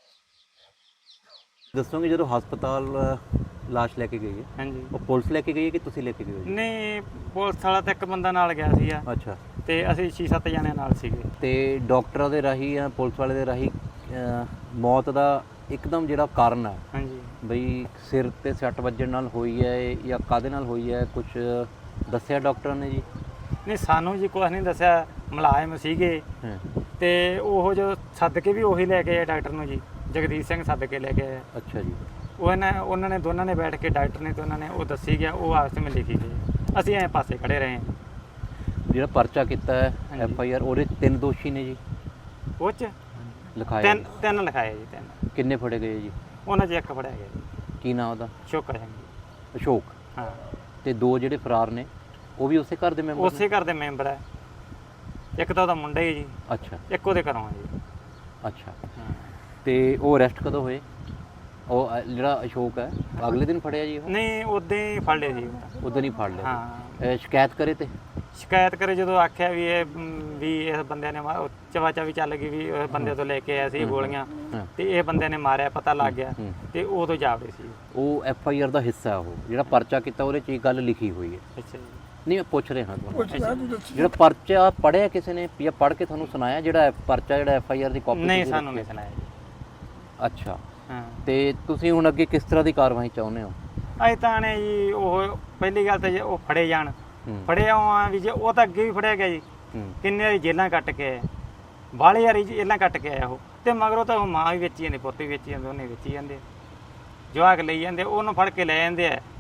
Speaker 5: ਦੱਸੋਗੇ ਜਦੋਂ ਹਸਪਤਾਲ ਲਾਸ਼ ਲੈ ਕੇ ਗਈ ਹੈ,
Speaker 2: ਹਾਂਜੀ।
Speaker 5: ਉਹ ਪੁਲਿਸ ਲੈ ਕੇ ਗਈ ਹੈ ਕਿ ਤੁਸੀਂ ਲੈ ਕੇ ਗਏ ਹੋ ਜੀ?
Speaker 2: ਨਹੀਂ, ਪੁਲਿਸ ਵਾਲਾ ਤਾਂ ਇੱਕ ਬੰਦਾ ਨਾਲ ਗਿਆ ਸੀਗਾ
Speaker 5: ਅੱਛਾ।
Speaker 2: ਤੇ ਅਸੀਂ ਛੇ ਸੱਤ ਜਣੇ ਨਾਲ ਸੀਗੇ।
Speaker 5: ਤੇ ਡਾਕਟਰਾਂ ਦੇ ਰਾਹੀਂ ਜਾਂ ਪੁਲਿਸ ਵਾਲੇ ਦੇ ਰਾਹੀਂ ਅਹ, ਮੌਤ ਦਾ ਇੱਕਦਮ ਜਿਹੜਾ ਕਾਰਨ ਹੈ,
Speaker 2: ਹਾਂਜੀ।
Speaker 5: ਬਈ ਸਿਰ ਤੇ ਸੱਟ ਵੱਜਣ ਨਾਲ ਹੋਈ ਹੈ ਜਾਂ ਕਾਹਦੇ ਨਾਲ ਹੋਈ ਹੈ, ਕੁਝ ਦੱਸਿਆ ਡਾਕਟਰਾਂ ਨੇ ਜੀ?
Speaker 2: ਨਹੀਂ, ਸਾਨੂੰ ਜੀ ਕੁਛ ਨਹੀਂ ਦੱਸਿਆ। ਮੁਲਾਜ਼ਮ ਸੀਗੇ
Speaker 5: ਹਾਂ।
Speaker 2: ਤੇ ਉਹ ਜੋ ਸੱਦ ਕੇ ਵੀ ਉਹੀ ਲੈ ਕੇ ਆਏ ਡਾਕਟਰ ਨੂੰ ਜੀ, ਜਗਦੀਸ਼ ਸਿੰਘ ਸੱਦ ਕੇ ਲੈ ਕੇ ਆਏ।
Speaker 5: ਅੱਛਾ ਜੀ।
Speaker 2: ਉਹਨਾਂ ਉਹਨਾਂ ਨੇ ਦੋਨਾਂ ਨੇ ਬੈਠ ਕੇ, ਡਾਕਟਰ ਨੇ ਤੇ ਉਹਨਾਂ ਨੇ ਉਹ ਦੱਸੀ ਗਿਆ, ਉਹ ਆਪਸ ਵਿੱਚ ਲਿਖੀ ਗਈ। ਅਸੀਂ ਐਂ ਪਾਸੇ ਖੜੇ ਰਹੇ।
Speaker 5: ਜਿਹੜਾ ਪਰਚਾ ਕੀਤਾ ਹੈ
Speaker 2: ਹਾਂਜੀ।
Speaker 5: ਐਫ ਆਈ ਆਰ, ਉਹਦੇ ਤਿੰਨ ਦੋਸ਼ੀ ਨੇ ਜੀ
Speaker 2: ਉਹ 'ਚ
Speaker 5: ਲਿਖਾਏ?
Speaker 2: ਤਿੰਨ ਤਿੰਨ ਲਿਖਾਏ ਜੀ, ਤਿੰਨ।
Speaker 5: ਕਿੰਨੇ ਫੜੇ ਗਏ ਜੀ?
Speaker 2: ਉਹਨਾਂ 'ਚ ਇੱਕ ਫੜਿਆ ਗਿਆ ਜੀ,
Speaker 5: ਕੀ ਨਾਂ ਉਹਦਾ?
Speaker 2: ਸ਼ੋਕਾ ਸਿੰਘ ਜੀ।
Speaker 5: ਅਸ਼ੋਕ।
Speaker 2: ਹਾਂ,
Speaker 5: ਤੇ ਦੋ ਜਿਹੜੇ ਫਰਾਰ ਨੇ ਉਹ ਵੀ ਉਸੇ ਘਰ ਦੇ ਮੈਂਬਰ
Speaker 2: ਉਸੇ ਘਰ ਦੇ ਮੈਂਬਰ ਹੈ। ਇੱਕ ਤਾਂ ਉਹਦਾ ਮੁੰਡਾ ਹੀ ਜੀ,
Speaker 5: ਅੱਛਾ
Speaker 2: ਇੱਕ ਉਹਦੇ ਘਰੋਂ ਹੈ ਜੀ।
Speaker 5: ਅੱਛਾ।
Speaker 2: ਹਾਂ।
Speaker 5: ਤੇ ਉਹ ਅਰੈਸਟ ਕਦੋਂ ਹੋਏ? ਉਹ ਅ, ਜਿਹੜਾ ਅਸ਼ੋਕ ਹੈ, ਅਗਲੇ ਦਿਨ ਫੜਿਆ ਜੀ ਉਹ?
Speaker 2: ਨਹੀਂ, ਉਦੋਂ ਹੀ ਫੜ ਲਿਆ ਜੀ।
Speaker 5: ਉਦੋਂ ਹੀ ਫੜ ਲਿਆ?
Speaker 2: ਹਾਂ।
Speaker 5: ਇਹ ਸ਼ਿਕਾਇਤ ਕਰੇ ਤੇ?
Speaker 2: ਸ਼ਿਕਾਇਤ ਕਰੇ ਜਦੋਂ ਆਖਿਆ ਵੀ ਇਹ ਮ, ਵੀ ਇਸ ਬੰਦੇ ਨੇ ਮਾ- ਉਹ ਚਵਾ ਚਾਵੀ ਚੱਲ ਗਈ ਵੀ ਇਸ ਬੰਦੇ ਤੋਂ ਲੈ ਕੇ ਆਇਆ ਸੀ ਗੋਲੀਆਂ,
Speaker 5: ਹਾਂ।
Speaker 2: ਤੇ ਇਹ ਬੰਦੇ ਨੇ ਮਾਰਿਆ, ਪਤਾ ਲੱਗ ਗਿਆ,
Speaker 5: ਹੂੰ।
Speaker 2: ਤੇ ਉਦੋਂ ਜਾਵੜੇ ਸੀ।
Speaker 5: ਉਹ ਐਫ ਆਈ ਆਰ ਦਾ ਹਿੱਸਾ, ਉਹ ਜਿਹੜਾ ਪਰਚਾ ਕੀਤਾ ਉਹਦੇ 'ਚ ਇਹ ਗੱਲ ਲਿਖੀ ਹੋਈ ਹੈ?
Speaker 2: ਅੱਛਾ ਜੀ।
Speaker 5: ਨਹੀਂ, ਮੈਂ ਪੁੱਛ ਰਿਹਾ ਤੁਹਾਨੂੰ।
Speaker 6: ਪੁੱਛਦਾ ਤੂੰ ਦੱਸੀ।
Speaker 5: ਜਿਹੜਾ ਪਰਚਾ ਪੜਿਆ ਕਿਸੇ ਨੇ ਜਾਂ ਪੜ੍ਹ ਕੇ ਤੁਹਾਨੂੰ ਸੁਣਾਇਆ, ਜਿਹੜਾ ਪਰਚਾ ਜਿਹੜਾ ਐਫ ਆਈ ਆਰ ਦੀ ਕਾਪੀ?
Speaker 2: ਨਹੀਂ, ਸਾਨੂੰ ਨਹੀਂ ਸੁਣਾਇਆ ਜੀ।
Speaker 5: ਅੱਛਾ।
Speaker 2: ਹਾਂ।
Speaker 5: ਤੇ ਤੁਸੀਂ ਹੁਣ ਅੱਗੇ ਕਿਸ ਤਰ੍ਹਾਂ ਦੀ ਕਾਰਵਾਈ ਚਾਹੁੰਦੇ ਹੋ?
Speaker 2: ਅਸੀਂ ਤਾਂ ਨੇ ਜੀ, ਉਹ ਪਹਿਲੀ ਗੱਲ ਤਾਂ ਜੇ ਉਹ ਫੜੇ ਜਾਣ,
Speaker 5: ਹੂੰ।
Speaker 2: ਫੜੇ ਆ ਵੀ ਜੇ ਉਹ ਤਾਂ ਅੱਗੇ ਵੀ ਫੜਿਆ ਗਿਆ ਜੀ,
Speaker 5: ਹੂੰ।
Speaker 2: ਕਿੰਨੇ ਵਾਰੀ ਜੇਲਾਂ ਕੱਟ ਕੇ ਆਏ, ਬਾਹਲੇ ਵਾਰੀ ਜੇਲਾਂ ਕੱਟ ਕੇ ਆਇਆ ਉਹ। ਤੇ ਮਗਰੋਂ ਤਾਂ ਉਹ ਮਾਂ ਵੀ ਵੇਚੀ ਜਾਂਦੇ, ਪੁੱਤ ਵੀ ਵੇਚੀ ਜਾਂਦੇ, ਉਹਨੇ ਵੇਚੀ ਜਾਂਦੇ, ਜਵਾਕ ਲਈ ਜਾਂਦੇ, ਉਹਨੂੰ ਫੜ ਕੇ ਲੈ ਜਾਂਦੇ ਆ।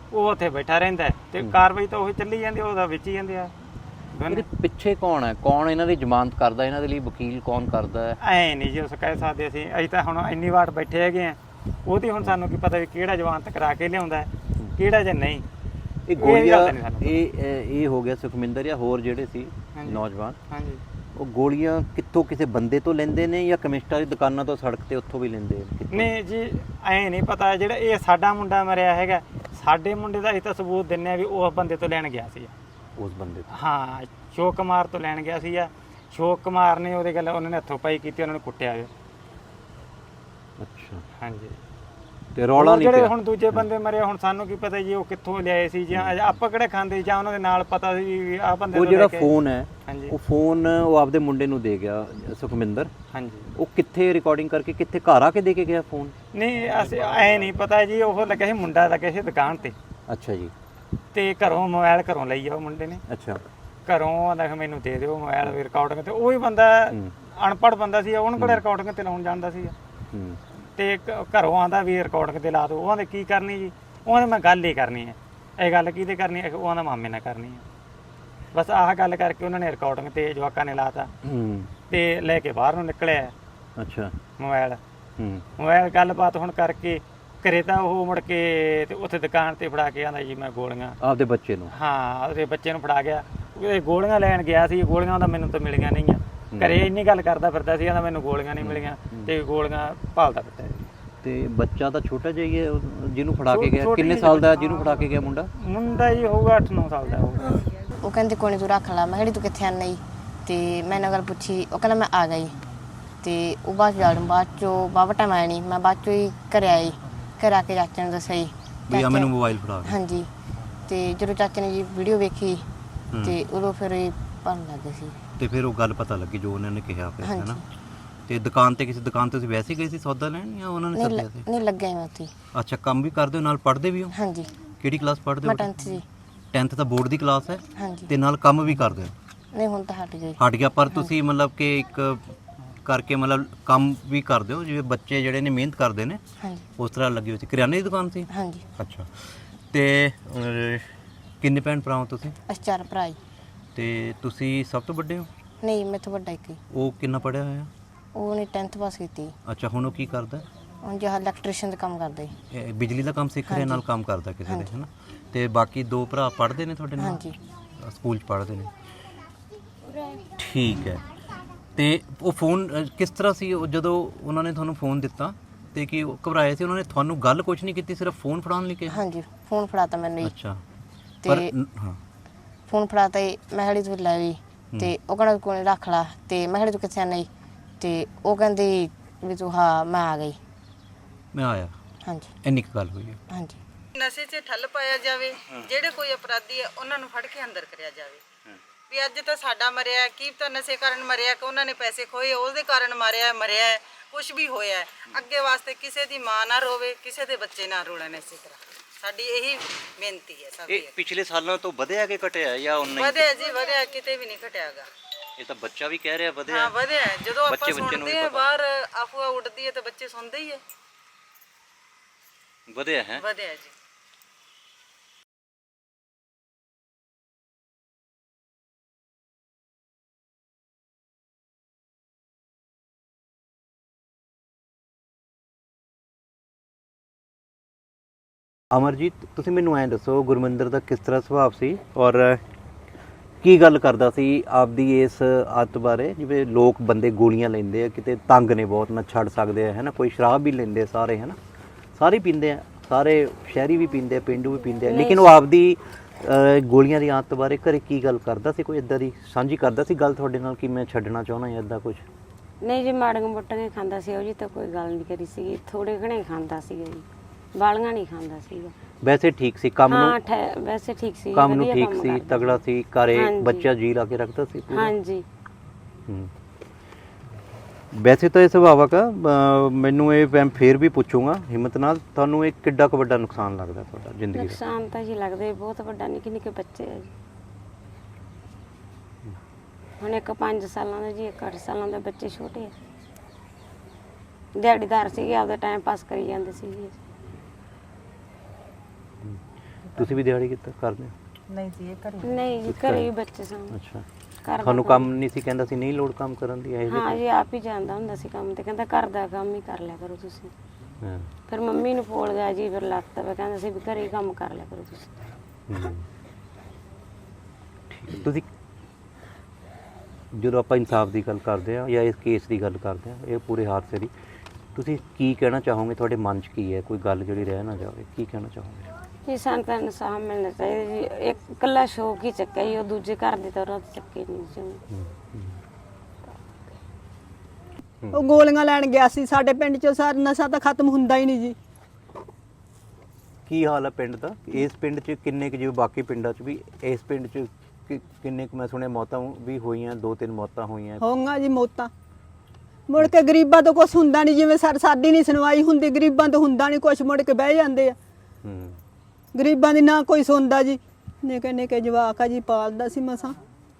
Speaker 2: ਉਹ ਉੱਥੇ ਬੈਠਾ ਰਹਿੰਦਾ ਹੈ ਤੇ ਕਾਰਵਾਈ ਤਾਂ ਉਹ ਚੱਲੀ ਜਾਂਦੀ, ਉਹਦਾ ਵਿੱਚ ਹੀ ਜਾਂਦੇ ਆ।
Speaker 5: ਇਹਦੇ ਪਿੱਛੇ ਕੌਣ ਹੈ, ਕੌਣ ਇਹਨਾਂ ਦੀ ਜ਼ਮਾਨਤ ਕਰਦਾ, ਇਹਨਾਂ ਦੇ ਲਈ ਵਕੀਲ ਕੌਣ ਕਰਦਾ ਹੈ?
Speaker 2: ਐ ਨਹੀਂ ਜੀ ਉਸ ਕਹਿ ਸਕਦੇ ਅਸੀਂ, ਅਸੀਂ ਤਾਂ ਹੁਣ ਇੰਨੀ ਵਾਰ ਬੈਠੇ ਹੈਗੇ ਆ, ਉਹਦੀ ਹੁਣ ਸਾਨੂੰ ਕੀ ਪਤਾ ਵੀ ਕਿਹੜਾ ਜਵਾਨਤ ਕਰਾ ਕੇ ਲਿਆਉਂਦਾ ਕਿਹੜਾ ਜਾਂ ਨਹੀਂ।
Speaker 5: ਇਹ ਗੋਲੀਆਂ ਇਹ ਇਹ ਹੋ ਗਿਆ ਸੁਖਮਿੰਦਰ ਜਾਂ ਹੋਰ ਜਿਹੜੇ ਸੀ ਨੌਜਵਾਨ,
Speaker 2: ਹਾਂਜੀ,
Speaker 5: ਉਹ ਗੋਲੀਆਂ ਕਿੱਥੋਂ ਕਿਸੇ ਬੰਦੇ ਤੋਂ ਲੈਂਦੇ ਨੇ ਜਾਂ ਕੈਮਿਸਟਾਂ ਦੀ ਦੁਕਾਨਾਂ ਤੋਂ ਸੜਕ ਤੇ ਉੱਥੋਂ ਵੀ ਲੈਂਦੇ ਨੇ?
Speaker 2: ਨਹੀਂ ਜੀ ਐ ਨਹੀਂ ਪਤਾ, ਜਿਹੜਾ ਇਹ ਸਾਡਾ ਮੁੰਡਾ ਮਰਿਆ ਹੈਗਾ, ਸਾਡੇ ਮੁੰਡੇ ਦਾ ਅਸੀਂ ਤਾਂ ਸਬੂਤ ਦਿੰਨੇ ਆ ਵੀ ਉਹ ਬੰਦੇ ਤੋਂ ਲੈਣ ਗਿਆ ਸੀ,
Speaker 5: ਉਸ ਬੰਦੇ ਤੋਂ।
Speaker 2: ਹਾਂ, ਸ਼ੋਕ ਕੁਮਾਰ ਤੋਂ ਲੈਣ ਗਿਆ ਸੀ। ਸ਼ੋਕ ਕੁਮਾਰ ਨੇ ਉਹਦੇ ਗੱਲ ਉਹਨਾਂ ਨੇ ਹੱਥੋਂ ਪਾਈ ਕੀਤੀ, ਉਹਨਾਂ ਨੂੰ ਕੁੱਟਿਆ ਗਿਆ।
Speaker 5: ਅੱਛਾ,
Speaker 2: ਹਾਂਜੀ।
Speaker 5: ਤੇ ਰੌਲਾ ਨਹੀਂ
Speaker 2: ਜਿਹੜੇ
Speaker 5: ਪਿਆ?
Speaker 2: ਹੁਣ ਦੂਜੇ ਬੰਦੇ ਮਰੇ, ਹੁਣ ਸਾਨੂੰ ਕੀ ਪਤਾ ਜੀ ਉਹ ਕਿੱਥੋਂ ਲਿਆਏ ਸੀ ਜਾਂ ਆਪਾਂ ਕਿਹੜੇ ਖਾਂਦੇ ਜਾਂ ਉਹਨਾਂ ਦੇ ਨਾਲ ਪਤਾ ਸੀ ਵੀ ਆਹ ਬੰਦੇ
Speaker 5: ਉਹ
Speaker 2: ਤੋਂ
Speaker 5: ਜਿਹੜਾ
Speaker 2: ਲੈ ਕੇ-
Speaker 5: ਫੋਨ ਹੈ,
Speaker 2: ਹਾਂਜੀ
Speaker 5: ਉਹ ਫੋਨ ਉਹ ਆਪਦੇ ਮੁੰਡੇ ਨੂੰ ਦੇ ਗਿਆ ਸੁਖਮਿੰਦਰ,
Speaker 2: ਹਾਂਜੀ।
Speaker 5: ਉਹ ਕਿੱਥੇ ਰਿਕਾਰਡਿੰਗ ਕਰਕੇ ਕਿੱਥੇ ਘਰ ਆ ਕੇ ਦੇ ਕੇ ਗਿਆ ਫੋਨ?
Speaker 2: ਨਹੀਂ ਅਸੀਂ ਐ ਨਹੀਂ ਪਤਾ ਜੀ, ਉਹ ਲੱਗਿਆ ਸੀ ਮੁੰਡਾ ਲੱਗਿਆ ਸੀ ਦੁਕਾਨ ਤੇ,
Speaker 5: ਅੱਛਾ ਜੀ।
Speaker 2: ਤੇ ਘਰੋਂ ਮੋਬਾਈਲ ਘਰੋਂ ਲਈ ਆ ਉਹ ਮੁੰਡੇ ਨੇ,
Speaker 5: ਅੱਛਾ,
Speaker 2: ਘਰੋਂ ਆਂਦਾ ਮੈਨੂੰ ਦੇ ਦਿਓ ਮੋਬਾਈਲ ਵੀ ਰਿਕਾਰਡਿੰਗ ਤੇ। ਉਹ ਹੀ ਬੰਦਾ ਅਨਪੜ੍ਹ ਬੰਦਾ ਸੀ, ਉਹਨੂੰ ਕੋਲੇ ਰਿਕਾਰਡਿੰਗ ਤੇ ਲਾਉਣ ਜਾਂਦਾ ਸੀ
Speaker 5: ਹੂੰ,
Speaker 2: ਤੇ ਘ- ਘਰੋਂ ਆਂਦਾ ਵੀ ਰਿਕਾਰਡਿੰਗ ਤੇ ਲਾ ਦਿਓ। ਉਹਨਾਂ ਦੇ ਕੀ ਕਰਨੀ ਜੀ, ਉਹਨਾਂ ਦੇ ਮੈਂ ਗੱਲ ਹੀ ਕਰਨੀ ਹੈ। ਇਹ ਗੱਲ ਕਿਹਦੇ ਕਰਨੀ ਹੈ? ਉਹਨਾਂ ਮਾਮੇ ਨਾਲ ਕਰਨੀ ਹੈ। ਬਸ ਆਹ ਗੱਲ ਕਰਕੇ ਉਹਨਾਂ ਨੇ ਰਿਕਾਰਡਿੰਗ ਤੇ ਜਵਾਕਾਂ ਨੇ ਲਾਤਾ
Speaker 5: ਹੂੰ,
Speaker 2: ਤੇ ਲੈ ਕੇ ਬਾਹਰ ਨੂੰ ਨਿਕਲਿਆ
Speaker 5: ਅੱਛਾ,
Speaker 2: ਮੋਬਾਈਲ।
Speaker 5: ਹੂੰ,
Speaker 2: ਮੋਬਾਈਲ ਗੱਲਬਾਤ ਹੁਣ ਕਰਕੇ ਘਰੇ ਤਾਂ ਉਹ ਮੁੜ ਕੇ ਤੇ ਉੱਥੇ ਦੁਕਾਨ ਤੇ ਫੜਾ ਕੇ ਆਂਦਾ ਜੀ ਮੈਂ ਗੋਲੀਆਂ,
Speaker 5: ਆਪਦੇ ਬੱਚੇ ਨੂੰ?
Speaker 2: ਹਾਂ, ਉਹਦੇ ਬੱਚੇ ਨੂੰ ਫੜਾ ਗਿਆ। ਇਹ ਗੋਲੀਆਂ ਲੈਣ ਗਿਆ ਸੀ, ਗੋਲੀਆਂ ਦਾ ਮੈਨੂੰ ਤਾਂ ਮਿਲੀਆਂ ਨਹੀਂ ਆ। ਘਰੇ ਇੰਨੀ ਗੱਲ ਕਰਦਾ ਫਿਰਦਾ ਸੀ, ਕਹਿੰਦਾ ਮੈਨੂੰ ਗੋਲੀਆਂ ਨਹੀਂ ਮਿਲੀਆਂ ਤੇ ਗੋਲੀਆਂ ਭਾਲਦਾ ਫਿਰਦਾ ਸੀ।
Speaker 5: ਤੇ ਬੱਚਾ ਤਾਂ ਛੋਟਾ ਜਿਹਾ ਹੀ ਹੈ ਉਹ ਜਿਹਨੂੰ ਫੜਾ ਕੇ ਗਿਆ।
Speaker 2: ਛੋਟੀ
Speaker 5: ਕਿੰਨੇ
Speaker 2: ਜਿਹੀ
Speaker 5: ਸਾਲ ਦਾ ਜਿਹਨੂੰ ਫੜਾ ਕੇ ਗਿਆ ਮੁੰਡਾ?
Speaker 2: ਮੁੰਡਾ ਜੀ ਹੋਊਗਾ ਅੱਠ ਨੌ ਸਾਲ ਦਾ ਹੋਊਗਾ।
Speaker 3: ਉਹ ਕਹਿੰਦੇ ਕੋਈ ਨੀ ਤੂੰ ਰੱਖ ਲਾ। ਮੈਂ ਕਿਹਾ ਤੂੰ ਕਿੱਥੇ ਆਨਾ ਜੀ? ਤੇ ਮੈਂ ਇਹਨਾਂ ਗੱਲ ਪੁੱਛੀ, ਉਹ ਕਹਿੰਦਾ ਮੈਂ ਆ ਗਈ। ਤੇ ਉਹ ਬਾਅਦ ਜਾਣ ਬਾਅਦ ਚੋਂ ਬਾਬਾ ਟਾਈਮ ਆਇਆ ਨਹੀਂ, ਮੈਂ ਬਾਅਦ ਚੋਂ ਹੀ ਘਰੇ ਆਈ। ਘਰ ਆ ਕੇ ਚਾਚੇ ਨੂੰ ਦੱਸਿਆ ਜੀ
Speaker 5: ਵੀ ਆ ਮੈਨੂੰ ਮੋਬਾਈਲ ਫੜਾ ਕੇ।
Speaker 3: ਹਾਂਜੀ। ਤੇ ਜਦੋਂ ਚਾਚੇ ਨੇ ਜੀ ਵੀਡੀਓ ਵੇਖੀ ਤੇ ਉਦੋਂ ਫਿਰ ਇਹ ਭਰਨ ਲੱਗ ਗਏ ਸੀ।
Speaker 5: ਤੇ ਫਿਰ ਉਹ ਗੱਲ ਪਤਾ ਲੱਗੀ ਜੋ ਉਹਨਾਂ ਨੇ ਕਿਹਾ ਫਿਰ,
Speaker 3: ਹਾਂਜੀ।
Speaker 5: ਹੈ ਨਾ? ਤੇ ਦੁਕਾਨ ਤੇ ਕਿਸੇ ਦੁਕਾਨ ਤੇ ਤੁਸੀਂ ਵੈਸੇ ਗਏ ਸੀ ਸੌਦਾ ਲੈਣ ਜਾਂ ਉਹਨਾਂ ਨੇ
Speaker 3: ਨਹੀਂ
Speaker 5: ਸੱਦਿਆ ਸੀ?
Speaker 3: ਨਹੀਂ ਲੱਗਿਆ ਮੈਂ ਉੱਥੇ।
Speaker 5: ਅੱਛਾ, ਕੰਮ ਵੀ ਕਰਦੇ ਹੋ ਨਾਲ ਪੜ੍ਹਦੇ ਵੀ ਹੋ?
Speaker 3: ਹਾਂਜੀ,
Speaker 5: ਕਿਹੜੀ ਕਲਾਸ ਪੜ੍ਹਦੇ
Speaker 3: ਮੈਂ
Speaker 5: ਹੋ?
Speaker 3: ਟੈਂਥ ਜੀ।
Speaker 5: ਟੈਂਥ ਤਾਂ ਬੋਰਡ ਦੀ ਕਲਾਸ ਹੈ
Speaker 3: ਹਾਂਜੀ।
Speaker 5: ਤੇ ਨਾਲ ਕੰਮ ਵੀ ਕਰਦੇ ਹੋ?
Speaker 3: ਨਹੀਂ ਹੁਣ ਤਾਂ ਹਟ ਗਈ।
Speaker 5: ਹਟ ਗਿਆ, ਪਰ ਤੁਸੀਂ ਮਤਲਬ ਕਿ ਇੱਕ ਕਰਕੇ ਮਤਲਬ ਕੰਮ ਵੀ ਕਰਦੇ ਹੋ ਜਿਵੇਂ ਬੱਚੇ ਜਿਹੜੇ ਨੇ ਮਿਹਨਤ ਕਰਦੇ ਨੇ
Speaker 3: ਹਾਂਜੀ
Speaker 5: ਉਸ ਤਰ੍ਹਾਂ ਲੱਗੀ ਹੋਈ ਸੀ। ਕਰਿਆਨੇ ਦੀ ਦੁਕਾਨ ਸੀ?
Speaker 3: ਹਾਂਜੀ।
Speaker 5: ਅੱਛਾ। ਤੇ ਅਹ, ਕਿੰਨੇ ਭੈਣ ਭਰਾ ਹੋ ਤੁਸੀਂ?
Speaker 3: ਅਸੀਂ ਚਾਰ ਭਰਾ ਜੀ।
Speaker 5: ਤੇ ਤੁਸੀਂ ਸਭ ਤੋਂ ਵੱਡੇ ਹੋ?
Speaker 3: ਨਹੀਂ ਮੇਰੇ ਤੋਂ ਵੱਡਾ ਇੱਕ ਹੀ।
Speaker 5: ਉਹ ਕਿੰਨਾ ਪੜ੍ਹਿਆ ਹੋਇਆ?
Speaker 3: ਉਹਨੇ ਟੈਂਥ ਪਾਸ ਕੀਤੀ।
Speaker 5: ਅੱਛਾ, ਹੁਣ ਉਹ ਕੀ ਕਰਦਾ?
Speaker 3: ਹੁਣ ਜਿਹੜਾ ਇਲੈਕਟ੍ਰੀਸ਼ੀਅਨ ਦਾ ਕੰਮ ਕਰਦਾ ਜੀ।
Speaker 5: ਇਹ ਬਿਜਲੀ ਦਾ ਕੰਮ ਸਿੱਖ ਰਿਹਾ, ਨਾਲ ਕੰਮ ਕਰਦਾ ਕਿਸੇ ਦੇ, ਹੈ ਨਾ? ਤੇ ਬਾਕੀ ਦੋ ਭਰਾ ਪੜ੍ਹਦੇ ਨੇ ਤੁਹਾਡੇ ਨਾਲ?
Speaker 3: ਹਾਂਜੀ।
Speaker 5: ਸਕੂਲ 'ਚ ਪੜ੍ਹਦੇ ਨੇ, ਠੀਕ ਹੈ। ਤੇ ਉਹ ਫੋਨ ਅਹ, ਕਿਸ ਤਰ੍ਹਾਂ ਸੀ ਉਹ ਜਦੋਂ ਉਹਨਾਂ ਨੇ ਤੁਹਾਨੂੰ ਫੋਨ ਦਿੱਤਾ ਤੇ ਕੀ ਉਹ ਘਬਰਾਏ ਸੀ? ਉਹਨਾਂ ਨੇ ਤੁਹਾਨੂੰ ਗੱਲ ਕੁਝ ਨਹੀਂ ਕੀਤੀ, ਸਿਰਫ ਫੋਨ ਫੜਾਉਣ ਲਈ ਕਿਹਾ?
Speaker 3: ਹਾਂਜੀ ਫੋਨ ਫੜਾਤਾ ਮੈਨੂੰ ਜੀ।
Speaker 5: ਅੱਛਾ, ਪਰ
Speaker 3: ਤੇ
Speaker 5: ਨ- ਹਾਂ,
Speaker 3: ਫੋਨ ਫੜਾਤਾ ਜੀ। ਮੈਂ ਕਿਹਾ ਤੂੰ ਲੈ ਵੀ। ਤੇ ਉਹ ਕਹਿੰਦਾ ਕੋਈ ਨੀ ਰੱਖ ਲਾ। ਤੇ ਮੈਂ ਕਿਹਾ ਤੂੰ ਕਿੱਥੇ ਆਨਾ ਜੀ? ਤੇ ਉਹ ਕਹਿੰਦੀ ਵੀ ਤੂੰ ਹਾਂ ਮੈਂ ਆ ਗਈ।
Speaker 5: ਮੈਂ ਆਇਆ।
Speaker 3: ਹਾਂਜੀ
Speaker 5: ਇੰਨੀ ਕੁ ਗੱਲ ਹੋਈ ਹੈ।
Speaker 3: ਹਾਂਜੀ।
Speaker 1: ਨਸ਼ੇ 'ਚ ਠੱਲ ਪਾਇਆ ਜਾਵੇ, ਜਿਹੜੇ ਕੋਈ ਅਪਰਾਧੀ ਹੈ ਉਹਨਾਂ ਨੂੰ ਫੜ ਕੇ ਅੰਦਰ ਕਰਿਆ ਜਾਵੇ। ਵੀ ਅੱਜ ਤਾਂ ਸਾਡਾ ਮਰਿਆ, ਕੀ ਤਾਂ ਨਸ਼ੇ ਕਾਰਨ ਮਰਿਆ ਕਿ ਉਹਨਾਂ ਨੇ ਪੈਸੇ ਖੋਏ ਉਹਦੇ ਕਾਰਨ ਮਾਰਿਆ, ਮਰਿਆ ਕੁਝ ਵੀ ਹੋਇਆ। ਅੱਗੇ ਵਾਸਤੇ ਕਿਸੇ ਦੀ ਮਾਂ ਨਾ ਰੋਵੇ, ਕਿਸੇ ਦੇ ਬੱਚੇ ਨਾ ਰੋਲਣ। ਇਸੇ ਤਰ੍ਹਾਂ ਸਾਡੀ ਇਹੀ ਬੇਨਤੀ ਹੈ ਸਭ
Speaker 5: ਇਹ
Speaker 1: ਦੀ।
Speaker 5: ਪਿਛਲੇ ਸਾਲਾਂ ਤੋਂ ਵਧਿਆ ਕਿ ਘਟਿਆ ਜਾਂ ਉਨਾ ਹੀ?
Speaker 1: ਵਧਿਆ ਜੀ, ਵਧਿਆ, ਕਿਤੇ ਵੀ ਨਹੀਂ ਘਟਿਆਗਾ।
Speaker 5: ਇਹ ਤਾਂ ਬੱਚਾ ਵੀ ਕਹਿ ਰਿਹਾ ਵਧਿਆ।
Speaker 1: ਹਾਂ ਵਧਿਆ। ਜਦੋਂ ਆਪਾਂ
Speaker 5: ਬੱਚੇ- ਬੱਚੇ ਨੂੰ ਵੀ
Speaker 1: ਸੁਣਦੇ ਆ
Speaker 5: ਪਤਾ।
Speaker 1: ਬਾਹਰ ਅਫਵਾਹ ਉੱਡਦੀ ਹੈ ਤਾਂ ਬੱਚੇ ਸੁਣਦੇ ਹੀ ਹੈ।
Speaker 5: ਵਧਿਆ ਹੈ।
Speaker 1: ਵਧਿਆ ਜੀ।
Speaker 5: ਅਮਰਜੀਤ, ਤੁਸੀਂ ਮੈਨੂੰ ਐਂ ਦੱਸੋ ਗੁਰਮਿੰਦਰ ਦਾ ਕਿਸ ਤਰ੍ਹਾਂ ਸੁਭਾਅ ਸੀ ਔਰ ਕੀ ਗੱਲ ਕਰਦਾ ਸੀ ਆਪਦੀ ਇਸ ਆਦਤ ਬਾਰੇ? ਜਿਵੇਂ ਲੋਕ ਬੰਦੇ ਗੋਲੀਆਂ ਲੈਂਦੇ ਆ, ਕਿਤੇ ਤੰਗ ਨੇ ਬਹੁਤ, ਨਾ ਛੱਡ ਸਕਦੇ ਆ, ਹੈ ਨਾ? ਕੋਈ ਸ਼ਰਾਬ ਵੀ ਲੈਂਦੇ ਸਾਰੇ, ਹੈ ਨਾ? ਸਾਰੇ ਪੀਂਦੇ ਆ, ਸਾਰੇ ਸ਼ਹਿਰੀ ਵੀ ਪੀਂਦੇ ਆ, ਪਿੰਡੂ ਵੀ ਪੀਂਦੇ ਆ, ਲੇਕਿਨ ਉਹ ਆਪਦੀ ਅਹ, ਗੋਲੀਆਂ ਦੀ ਆਦਤ ਬਾਰੇ ਘਰੇ ਕੀ ਗੱਲ ਕਰਦਾ ਸੀ? ਕੋਈ ਇਦਾਂ ਦੀ ਸਾਂਝੀ ਕਰਦਾ ਸੀ ਗੱਲ ਤੁਹਾਡੇ ਨਾਲ ਕਿ ਮੈਂ ਛੱਡਣਾ ਚਾਹੁੰਦਾ ਜਾਂ ਇਦਾਂ ਕੁਝ?
Speaker 7: ਨਹੀਂ ਜੀ, ਮਾੜੀਆਂ ਮੋਟੀਆਂ ਖਾਂਦਾ ਸੀ ਉਹ ਜੀ, ਤਾਂ ਕੋਈ ਗੱਲ ਨਹੀਂ ਕਰੀ ਸੀਗੀ। ਥੋੜੇ ਘਣੇ ਖਾਂਦਾ ਸੀਗਾ ਜੀ, ਬਾਲੀਆਂ ਨਹੀਂ ਖਾਂਦਾ ਸੀਗਾ।
Speaker 5: ਵੈਸੇ ਠੀਕ ਸੀ ਕੰਮ
Speaker 7: ਹਾਂ
Speaker 5: ਨੂੰ?
Speaker 7: ਠਹਿ- ਵੈਸੇ ਠੀਕ ਸੀ,
Speaker 5: ਕੰਮ ਨੂੰ
Speaker 7: ਵਧੀਆ
Speaker 5: ਠੀਕ
Speaker 7: ਕੰਮ
Speaker 5: ਸੀ,
Speaker 7: ਕਰਦਾ।
Speaker 5: ਤਗੜਾ ਸੀ, ਘਰੇ
Speaker 7: ਹਾਂਜੀ।
Speaker 5: ਬੱਚਾ ਜੀ ਲਾ ਕੇ ਰੱਖਦਾ ਸੀ ਪੂਰਾ?
Speaker 7: ਹਾਂਜੀ।
Speaker 5: ਹੂੰ। ਵੈਸੇ ਤਾਂ ਇਹ ਸੁਭਾਵਕ ਆ। ਅਹ ਮੈਨੂੰ ਇਹ ਮੈਂ ਫੇਰ ਵੀ ਪੁੱਛੂੰਗਾ ਹਿੰਮਤ ਨਾਲ, ਤੁਹਾਨੂੰ ਇਹ ਕਿੱਡਾ ਕੁ ਵੱਡਾ ਨੁਕਸਾਨ ਲੱਗਦਾ ਤੁਹਾਡਾ ਜ਼ਿੰਦਗੀ ਦਾ?
Speaker 7: ਨੁਕਸਾਨ ਤਾਂ ਜੀ ਲੱਗਦੇ ਬਹੁਤ ਵੱਡਾ, ਨਿੱਕੇ ਨਿੱਕੇ ਬੱਚੇ ਆ ਜੀ। ਹੁਣ ਇੱਕ ਪੰਜ ਸਾਲਾਂ ਦਾ ਜੀ, ਇੱਕ ਅੱਠ ਸਾਲਾਂ ਦਾ, ਬੱਚੇ ਛੋਟੇ ਆ। ਦਿਹਾੜੀਦਾਰ ਸੀਗੇ, ਆਪਦਾ ਟਾਈਮ ਪਾਸ ਕਰੀ ਜਾਂਦੇ ਸੀ ਜੀ।
Speaker 5: ਤੁਸੀਂ ਵੀ ਦਿਹਾੜੀ ਕੀਤਾ ਕਰਦੇ ਹੋ?
Speaker 1: ਨਹੀਂ ਜੀ ਇਹ ਘਰੇ
Speaker 7: ਨਹੀਂ ਜੀ, ਘਰੇ ਹੀ ਬੱਚੇ ਸਨ।
Speaker 5: ਅੱਛਾ,
Speaker 7: ਘਰ
Speaker 5: ਤੁਹਾਨੂੰ
Speaker 7: ਦਾ
Speaker 5: ਕੰਮ ਨਹੀਂ ਸੀ ਕਹਿੰਦਾ ਸੀ ਨਹੀਂ ਲੋੜ ਕੰਮ ਕਰਨ ਦੀ ਇਹ
Speaker 7: ਹਾਂ ਜੀ, ਆਪ ਹੀ ਜਾਂਦਾ ਹੁੰਦਾ ਸੀ ਕੰਮ ਤੇ, ਕਹਿੰਦਾ ਘਰ ਦਾ ਕੰਮ ਹੀ ਕਰ ਲਿਆ ਕਰੋ ਤੁਸੀਂ।
Speaker 5: ਹਾਂ
Speaker 7: ਫਿਰ ਮੰਮੀ ਨੂੰ ਫੋਲ ਗਿਆ ਜੀ, ਫਿਰ ਲੱਤ ਵੇ ਕਹਿੰਦਾ ਸੀ ਵੀ ਘਰੇ ਹੀ ਕੰਮ ਕਰ ਲਿਆ ਕਰੋ ਤੁਸੀਂ।
Speaker 5: ਹਮ। ਠੀਕ। ਤੁਸੀਂ ਜਦੋਂ ਆਪਾਂ ਇਨਸਾਫ ਦੀ ਗੱਲ ਕਰਦੇ ਆ ਜਾਂ ਇਸ ਕੇਸ ਦੀ ਗੱਲ ਕਰਦੇ ਆ, ਇਹ ਪੂਰੇ ਹਾਦਸੇ ਦੀ, ਤੁਸੀਂ ਕੀ ਕਹਿਣਾ ਚਾਹੋਗੇ? ਤੁਹਾਡੇ ਮਨ 'ਚ ਕੀ ਹੈ? ਕੋਈ ਗੱਲ ਜਿਹੜੀ ਰਹਿ ਨਾ ਜਾਵੇ, ਕੀ ਕਹਿਣਾ ਚਾਹੋਗੇ?
Speaker 7: ਜੀ ਸਾਨੂੰ ਤਾਂ ਇਨਸਾਫ ਮਿਲਣਾ ਚਾਹੀਦਾ ਜੀ। ਇੱਕ ਇਕੱਲਾ ਸ਼ੌਕ ਹੀ ਚੱਕਿਆ ਜੀ, ਉਹ ਦੂਜੇ ਘਰ ਦੀ ਤਰ੍ਹਾਂ ਚੱਕੇ ਨਹੀਂ ਸੀ।
Speaker 8: ਉਹ ਗੋਲੀਆਂ ਲੈਣ ਗਿਆ ਸੀ। ਸਾਡੇ ਪਿੰਡ 'ਚ ਸਾਰਾ ਨਸ਼ਾ ਤਾਂ ਖਤਮ ਹੁੰਦਾ ਹੀ ਨਹੀਂ ਜੀ।
Speaker 5: ਕੀ ਹਾਲ ਹੈ ਪਿੰਡ ਦਾ? ਇਸ ਪਿੰਡ 'ਚ ਕਿੰਨੇ ਕੁ, ਜਿਵੇਂ ਬਾਕੀ ਪਿੰਡਾਂ 'ਚ ਵੀ, ਇਸ ਪਿੰਡ 'ਚ ਕਿ- ਕਿੰਨੇ ਕੁ, ਮੈਂ ਸੁਣਿਆ ਮੌਤਾਂ ਵੀ ਹੋਈਆਂ, ਦੋ ਤਿੰਨ ਮੌਤਾਂ ਹੋਈਆਂ।
Speaker 8: ਹੋਊਗਾ ਜੀ ਮੌਤਾਂ। ਮੁੜ ਕੇ ਗਰੀਬਾਂ ਤੋਂ ਕੁਝ ਹੁੰਦਾ ਨਹੀਂ, ਜਿਵੇਂ ਸਰ ਸਾਡੀ ਨਹੀਂ ਸੁਣਵਾਈ ਹੁੰਦੀ, ਗਰੀਬਾਂ ਤੋਂ ਹੁੰਦਾ ਨਹੀਂ ਕੁਝ, ਮੁੜ ਕੇ ਬਹਿ ਜਾਂਦੇ ਆ।
Speaker 5: ਹੂੰ।
Speaker 8: ਗਰੀਬਾਂ ਦੀ ਨਾ ਕੋਈ ਸੁਣਦਾ ਜੀ। ਨਿੱਕੇ ਨਿੱਕੇ ਜਵਾਕ ਆ ਜੀ, ਪਾਲਦਾ ਸੀ ਮਸਾਂ।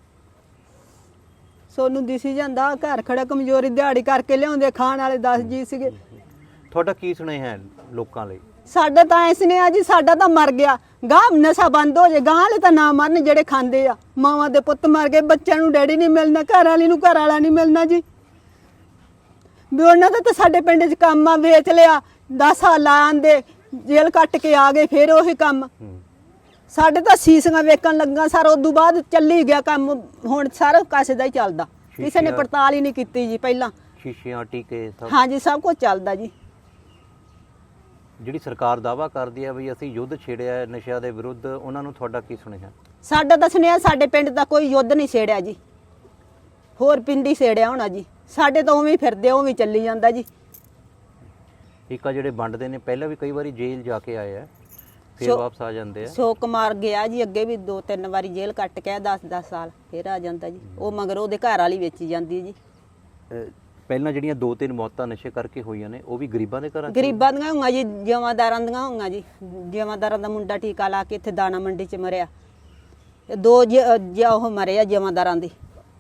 Speaker 8: ਸੋਨੂੰ ਦਿਸੀ ਜਾਂਦਾ ਘਰ ਖੜਾ, ਕਮਜ਼ੋਰੀ ਦਿਹਾੜੀ ਕਰਕੇ ਲਿਆਉਂਦੇ, ਖਾਣ ਵਾਲੇ ਦਸ ਜੀ ਸੀਗੇ।
Speaker 5: ਤੁਹਾਡਾ ਕੀ ਸੁਣਿਆ ਹੈ ਲੋਕਾਂ ਲਈ?
Speaker 8: ਸਾਡਾ ਤਾਂ ਐਸ ਨੇ ਆ ਜੀ, ਸਾਡਾ ਤਾਂ ਮਰ ਗਿਆ। ਗਾਹ ਨਸ਼ਾ ਬੰਦ ਹੋ ਜੇ, ਗਾਹ ਵਾਲੇ ਤਾਂ ਨਾ ਮਰਨ ਜਿਹੜੇ ਖਾਂਦੇ ਆ। ਮਾਵਾਂ ਦੇ ਪੁੱਤ ਮਰ ਗਏ, ਬੱਚਿਆਂ ਨੂੰ ਡੈਡੀ ਨਹੀਂ ਮਿਲਣਾ, ਘਰ ਵਾਲੀ ਨੂੰ ਘਰ ਵਾਲਾ ਨਹੀਂ ਮਿਲਣਾ ਜੀ। ਵੀ ਉਹਨਾਂ ਦਾ ਤਾਂ ਸਾਡੇ ਪਿੰਡ 'ਚ ਕੰਮ ਆ, ਵੇਚ ਲਿਆ, ਦਸ ਸਾਲ ਲਾ ਆਂਦੇ, ਜੇਲ੍ਹ ਕੱਟ ਕੇ ਆ ਗਏ, ਫਿਰ ਉਹੀ ਕੰਮ। ਸਾਡੇ ਤਾਂ ਸੀਸੀਆਂ ਵੇਚਣ ਲੱਗਾ ਸਰ, ਉਦੋਂ ਬਾਅਦ ਚੱਲੀ ਗਿਆ ਕੰਮ। ਹੁਣ ਸਾਰਾ ਕਾਸੇ ਦਾ ਹੀ ਚੱਲਦਾ, ਕਿਸੇ ਨੇ ਪੜਤਾਲ ਹੀ ਨਹੀਂ ਕੀਤੀ ਜੀ ਪਹਿਲਾਂ।
Speaker 5: ਸ਼ੀਸ਼ਿਆਂ, ਟੀਕੇ, ਸਭ?
Speaker 8: ਹਾਂਜੀ, ਸਭ ਕੁਝ ਚੱਲਦਾ ਜੀ।
Speaker 5: ਜਿਹੜੀ ਸਰਕਾਰ ਦਾਵਾ ਕਰਦੀ ਹੈ ਵੀ ਅਸੀਂ ਯੁੱਧ ਛੇੜਿਆ ਹੈ ਨਸ਼ਿਆਂ ਦੇ ਵਿਰੁੱਧ, ਉਹਨਾਂ ਨੂੰ ਤੁਹਾਡਾ ਕੀ ਸੁਣਿਆ?
Speaker 8: ਸਾਡਾ ਤਾਂ ਸੁਣਿਆ ਸਾਡੇ ਪਿੰਡ ਦਾ ਕੋਈ ਯੁੱਧ ਨਹੀਂ ਛੇੜਿਆ ਜੀ, ਹੋਰ ਪਿੰਡੀ ਛੇੜਿਆ ਹੋਣਾ ਜੀ। ਸਾਡੇ ਤਾਂ ਉਵੇਂ ਹੀ ਫਿਰਦੇ, ਉਵੇਂ ਹੀ ਚੱਲੀ ਜਾਂਦਾ ਜੀ।
Speaker 5: ਇੱਕ ਆ ਜਿਹੜੇ ਵੰਡਦੇ ਨੇ, ਪਹਿਲਾਂ ਵੀ ਕਈ ਵਾਰੀ ਜੇਲ੍ਹ ਜਾ ਕੇ ਆਏ ਆ, ਫਿਰ
Speaker 8: ਸੋ-
Speaker 5: ਵਾਪਸ ਆ ਜਾਂਦੇ ਆ।
Speaker 8: ਸੋ ਕੁਮਾਰ ਗਿਆ ਜੀ, ਅੱਗੇ ਵੀ ਦੋ ਤਿੰਨ ਵਾਰੀ ਜੇਲ੍ਹ ਕੱਟ ਕੇ ਦਸ ਦਸ ਸਾਲ, ਫਿਰ ਆ ਜਾਂਦਾ ਜੀ। ਉਹ ਮਗਰ ਉਹਦੇ ਘਰ ਵਾਲੀ ਵੇਚੀ ਜਾਂਦੀ ਜੀ।
Speaker 5: ਅਹ ਪਹਿਲਾਂ ਜਿਹੜੀਆਂ ਦੋ ਤਿੰਨ ਮੌਤਾਂ ਨਸ਼ੇ ਕਰਕੇ ਹੋਈਆਂ ਨੇ, ਉਹ ਵੀ ਗਰੀਬਾਂ ਦੇ ਘਰਾਂ 'ਚ?
Speaker 8: ਗਰੀਬਾਂ ਦੀਆਂ ਹੋਈਆਂ ਜੀ, ਜਮਾਦਾਰਾਂ ਦੀਆਂ ਹੋਈਆਂ ਜੀ। ਜਮਾਦਾਰਾਂ ਦਾ ਮੁੰਡਾ ਟੀਕਾ ਲਾ ਕੇ ਇੱਥੇ ਦਾਣਾ ਮੰਡੀ 'ਚ ਮਰਿਆ। ਇਹ ਦੋ ਜ- ਜ- ਉਹ ਮਰੇ ਆ ਜਮਾਦਾਰਾਂ ਦੇ।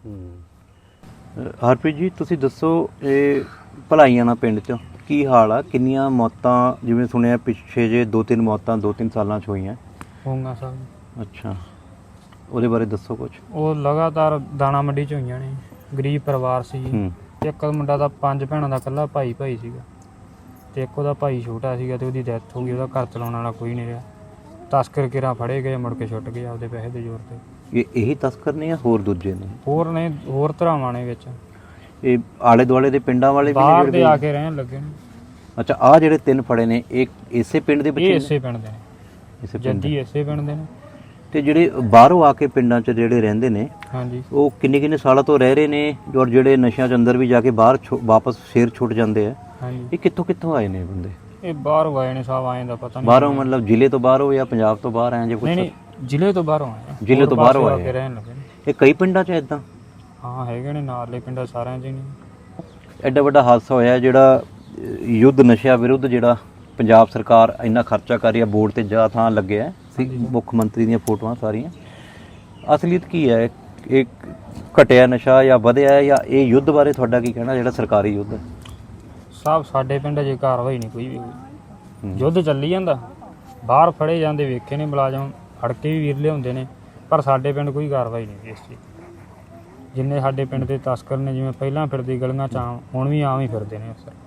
Speaker 5: ਹਰਪ੍ਰੀਤ ਜੀ, ਤੁਸੀਂ ਦੱਸੋ, ਇਹ ਭਲਾਈਆਣਾ ਪਿੰਡ 'ਚ ਕੀ ਹਾਲ ਆ? ਕਿੰਨੀਆਂ ਮੌਤਾਂ, ਜਿਵੇਂ ਸੁਣਿਆ ਪਿੱਛੇ ਜੇ ਦੋ ਤਿੰਨ ਮੌਤਾਂ ਦੋ ਤਿੰਨ ਸਾਲਾਂ 'ਚ ਹੋਈਆਂ?
Speaker 2: ਹੋਊਗਾ ਸਾਹਿਬ।
Speaker 5: ਅੱਛਾ, ਉਹਦੇ ਬਾਰੇ ਦੱਸੋ ਕੁਝ।
Speaker 2: ਉਹ ਲਗਾਤਾਰ ਦਾਣਾ ਮੰਡੀ 'ਚ ਹੋਈਆਂ ਨੇ। ਗਰੀਬ ਪਰਿਵਾਰ ਸੀ ਜੀ।
Speaker 5: ਹੂੰ।
Speaker 2: ਇੱਕ ਮੁੰਡਾ ਦਾ ਪੰਜ ਭੈਣਾਂ ਦਾ ਇਕੱਲਾ ਭਾਈ ਭਾਈ ਸੀਗਾ, ਤੇ ਇੱਕ ਉਹਦਾ ਭਾਈ ਛੋਟਾ ਸੀਗਾ, ਤੇ ਉਹਦੀ ਡੈਥ ਹੋ ਗਈ। ਉਹਦਾ ਘਰ ਚਲਾਉਣ ਵਾਲਾ ਕੋਈ ਨਹੀਂ ਰਿਹਾ। ਤਸਕਰ ਕਿਰਾਂ ਫੜੇ ਗਏ, ਮੁੜ ਕੇ ਛੁੱਟ ਗਏ ਆਪਦੇ ਪੈਸੇ ਦੇ ਜ਼ੋਰ ਤੇ।
Speaker 5: ਇਹ ਇਹੀ ਤਸਕਰ ਨੇ ਜਾਂ ਹੋਰ ਦੂਜੇ ਨੇ?
Speaker 2: ਹੋਰ ਨੇ, ਹੋਰ ਧਰਾਵਾਂ ਨੇ ਵਿੱਚ,
Speaker 5: ਇਹ ਆਲੇ ਦੁਆਲੇ ਦੇ ਪਿੰਡਾਂ ਵਾਲੇ ਵੀ ਨੇ
Speaker 2: ਬਾਹਰ ਦੇ
Speaker 5: ਜਿਹੜੇ?
Speaker 2: ਆ ਕੇ ਰਹਿਣ ਲੱਗੇ ਨੇ।
Speaker 5: ਅੱਛਾ, ਆ ਜਿਹੜੇ ਤਿੰਨ ਫੜੇ ਨੇ, ਇਹ ਇਸੇ ਪਿੰਡ ਦੇ
Speaker 2: ਇਹ
Speaker 5: ਬੱਚੇ ਨੇ?
Speaker 2: ਇਸੇ ਪਿੰਡ ਦੇ ਨੇ,
Speaker 5: ਇਸੇ ਪਿੰਡ ਦੇ।
Speaker 2: ਜੱਦੀ ਇਸੇ ਪਿੰਡ ਦੇ ਨੇ।
Speaker 5: ਤੇ ਜਿਹੜੇ ਬਾਹਰੋਂ ਆ ਕੇ ਪਿੰਡਾਂ 'ਚ ਜਿਹੜੇ ਰਹਿੰਦੇ ਨੇ,
Speaker 2: ਹਾਂਜੀ।
Speaker 5: ਉਹ ਕਿੰਨੇ ਕਿੰਨੇ ਸਾਲਾਂ ਤੋਂ ਰਹਿ ਰਹੇ ਨੇ, ਔਰ ਜਿਹੜੇ ਨਸ਼ਿਆਂ 'ਚ ਅੰਦਰ ਵੀ ਜਾ ਕੇ ਬਾਹਰ ਛੁ- ਵਾਪਸ ਫੇਰ ਛੁੱਟ ਜਾਂਦੇ ਆ,
Speaker 2: ਹਾਂਜੀ,
Speaker 5: ਇਹ ਕਿੱਥੋਂ ਕਿੱਥੋਂ ਆਏ ਨੇ ਬੰਦੇ?
Speaker 2: ਇਹ ਬਾਹਰੋਂ ਆਏ ਨੇ ਸਾਹਿਬ, ਆਏ ਦਾ ਪਤਾ ਨਹੀਂ।
Speaker 5: ਬਾਹਰੋਂ ਮਤਲਬ ਜ਼ਿਲ੍ਹੇ ਤੋਂ ਬਾਹਰੋਂ ਜਾਂ ਪੰਜਾਬ ਤੋਂ ਬਾਹਰ ਆਏ ਜੇ ਕੁਝ?
Speaker 2: ਨਹੀਂ ਨਹੀਂ, ਜ਼ਿਲ੍ਹੇ ਤੋਂ ਬਾਹਰੋਂ ਆਏ ਆ।
Speaker 5: ਜ਼ਿਲ੍ਹੇ
Speaker 2: ਹੋਰ
Speaker 5: ਤੋਂ ਬਾਹਰੋਂ
Speaker 2: ਪਾਸੇ ਆ
Speaker 5: ਆਏ
Speaker 2: ਕੇ
Speaker 5: ਆ।
Speaker 2: ਰਹਿਣ ਲੱਗੇ ਨੇ।
Speaker 5: ਇਹ ਕਈ ਪਿੰਡਾਂ 'ਚ ਇਦਾਂ?
Speaker 2: ਹਾਂ ਹੈਗੇ ਨੇ, ਨਾਲੇ ਪਿੰਡਾਂ ਸਾਰਿਆਂ 'ਚ ਹੀ ਨੇ।
Speaker 5: ਐਡਾ ਵੱਡਾ ਹਾਦਸਾ ਹੋਇਆ, ਜਿਹੜਾ ਅਹ, ਯੁੱਧ ਨਸ਼ਿਆਂ ਵਿਰੁੱਧ ਜਿਹੜਾ ਪੰਜਾਬ ਸਰਕਾਰ ਇੰਨਾ ਖਰਚਾ ਕਰ ਰਹੀ ਹੈ, ਬੋਰਡ ਤੇ ਜਾ ਥਾਂ ਲੱਗਿਆ ਸੀ, ਮੁੱਖ ਮੰਤਰੀ ਦੀਆਂ ਫੋਟੋਆਂ ਸਾਰੀਆਂ। ਅਸਲੀਅਤ ਕੀ ਹੈ? ਇਹ ਘਟਿਆ ਨਸ਼ਾ ਜਾਂ ਵਧਿਆ ਹੈ, ਜਾਂ ਇਹ ਯੁੱਧ ਬਾਰੇ ਤੁਹਾਡਾ ਕੀ ਕਹਿਣਾ, ਜਿਹੜਾ ਸਰਕਾਰੀ ਯੁੱਧ ਹੈ?
Speaker 2: ਸਾਹਿਬ ਸਾਡੇ ਪਿੰਡ 'ਚ ਕਾਰਵਾਈ ਨਹੀਂ ਕੋਈ ਵੀ ਹੋਈ। ਯੁੱਧ ਚੱਲੀ ਜਾਂਦਾ, ਬਾਹਰ ਫੜੇ ਜਾਂਦੇ ਵੇਖੇ ਨੇ ਮੁਲਾਜ਼ਮ, ਫੜ ਕੇ ਵੀ ਵੀਰ ਲਿਆਉਂਦੇ ਨੇ, ਪਰ ਸਾਡੇ ਪਿੰਡ ਕੋਈ ਕਾਰਵਾਈ ਨਹੀਂ ਇਸ ਚੀਜ਼। ਜਿੰਨੇ ਸਾਡੇ ਪਿੰਡ ਦੇ ਤਸਕਰ ਨੇ, ਜਿਵੇਂ ਪਹਿਲਾਂ ਫਿਰਦੇ ਗਲੀਆਂ 'ਚ ਆਮ, ਹੁਣ ਵੀ ਆਮ ਹੀ ਫਿਰਦੇ ਨੇ ਅਕਸਰ।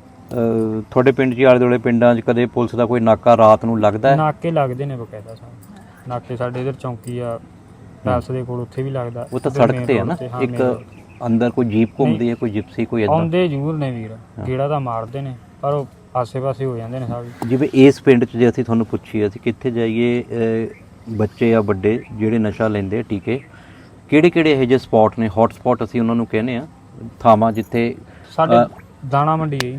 Speaker 5: ਅਹ, ਤੁਹਾਡੇ ਪਿੰਡ 'ਚ ਆਲੇ ਦੁਆਲੇ ਪਿੰਡਾਂ 'ਚ ਕਦੇ ਪੁਲਿਸ ਦਾ ਕੋਈ ਨਾਕਾ ਰਾਤ ਨੂੰ ਲੱਗਦਾ ਹੈ?
Speaker 2: ਨਾਕੇ ਲੱਗਦੇ ਨੇ ਬਕਾਇਦਾ ਸਾਹਿਬ। ਨਾਕੇ ਸਾਡੇ ਇਧਰ ਚੌਂਕੀ ਆ ਪੈਲਸ ਦੇ ਕੋਲ, ਉੱਥੇ ਵੀ ਲੱਗਦਾ।
Speaker 5: ਉਹ ਤਾਂ
Speaker 2: ਇੱਧਰ
Speaker 5: ਸੜਕ
Speaker 2: main
Speaker 5: ਤੇ ਹੈ
Speaker 2: road
Speaker 5: ਨਾ,
Speaker 2: ਤੇ, ਹਾਂ,
Speaker 5: ਇੱਕ
Speaker 2: main road।
Speaker 5: ਅੰਦਰ ਕੋਈ ਜੀਪ ਘੁੰਮਦੀ ਹੈ, ਕੋਈ ਜਿਪਸੀ, ਕੋਈ ਇਦਾਂ?
Speaker 2: ਆਉਂਦੇ ਜ਼ਰੂਰ ਨੇ ਵੀਰ, ਗੇੜਾ ਤਾਂ ਮਾਰਦੇ ਨੇ, ਪਰ ਉਹ ਆਸੇ-ਪਾਸੇ ਹੋ ਜਾਂਦੇ ਨੇ ਸਾਹਿਬ।
Speaker 5: ਜਿਵੇਂ ਇਸ ਪਿੰਡ 'ਚ ਜੇ ਅਸੀਂ ਤੁਹਾਨੂੰ ਪੁੱਛੀਏ ਅਸੀਂ ਕਿੱਥੇ ਜਾਈਏ, ਅਹ, ਬੱਚੇ ਆ ਵੱਡੇ ਜਿਹੜੇ ਨਸ਼ਾ ਲੈਂਦੇ ਆ, ਟੀਕੇ, ਕਿਹੜੇ ਕਿਹੜੇ ਇਹੋ ਜਿਹੇ ਸਪੌਟ ਨੇ, ਹੌਟ ਸਪੌਟ ਅਸੀਂ ਉਹਨਾਂ ਨੂੰ ਕਹਿੰਦੇ ਆ, ਥਾਵਾਂ ਜਿੱਥੇ
Speaker 2: ਸਾਡੇ
Speaker 5: ਅ,
Speaker 2: ਦਾਣਾ ਮੰਡੀ ਹੈ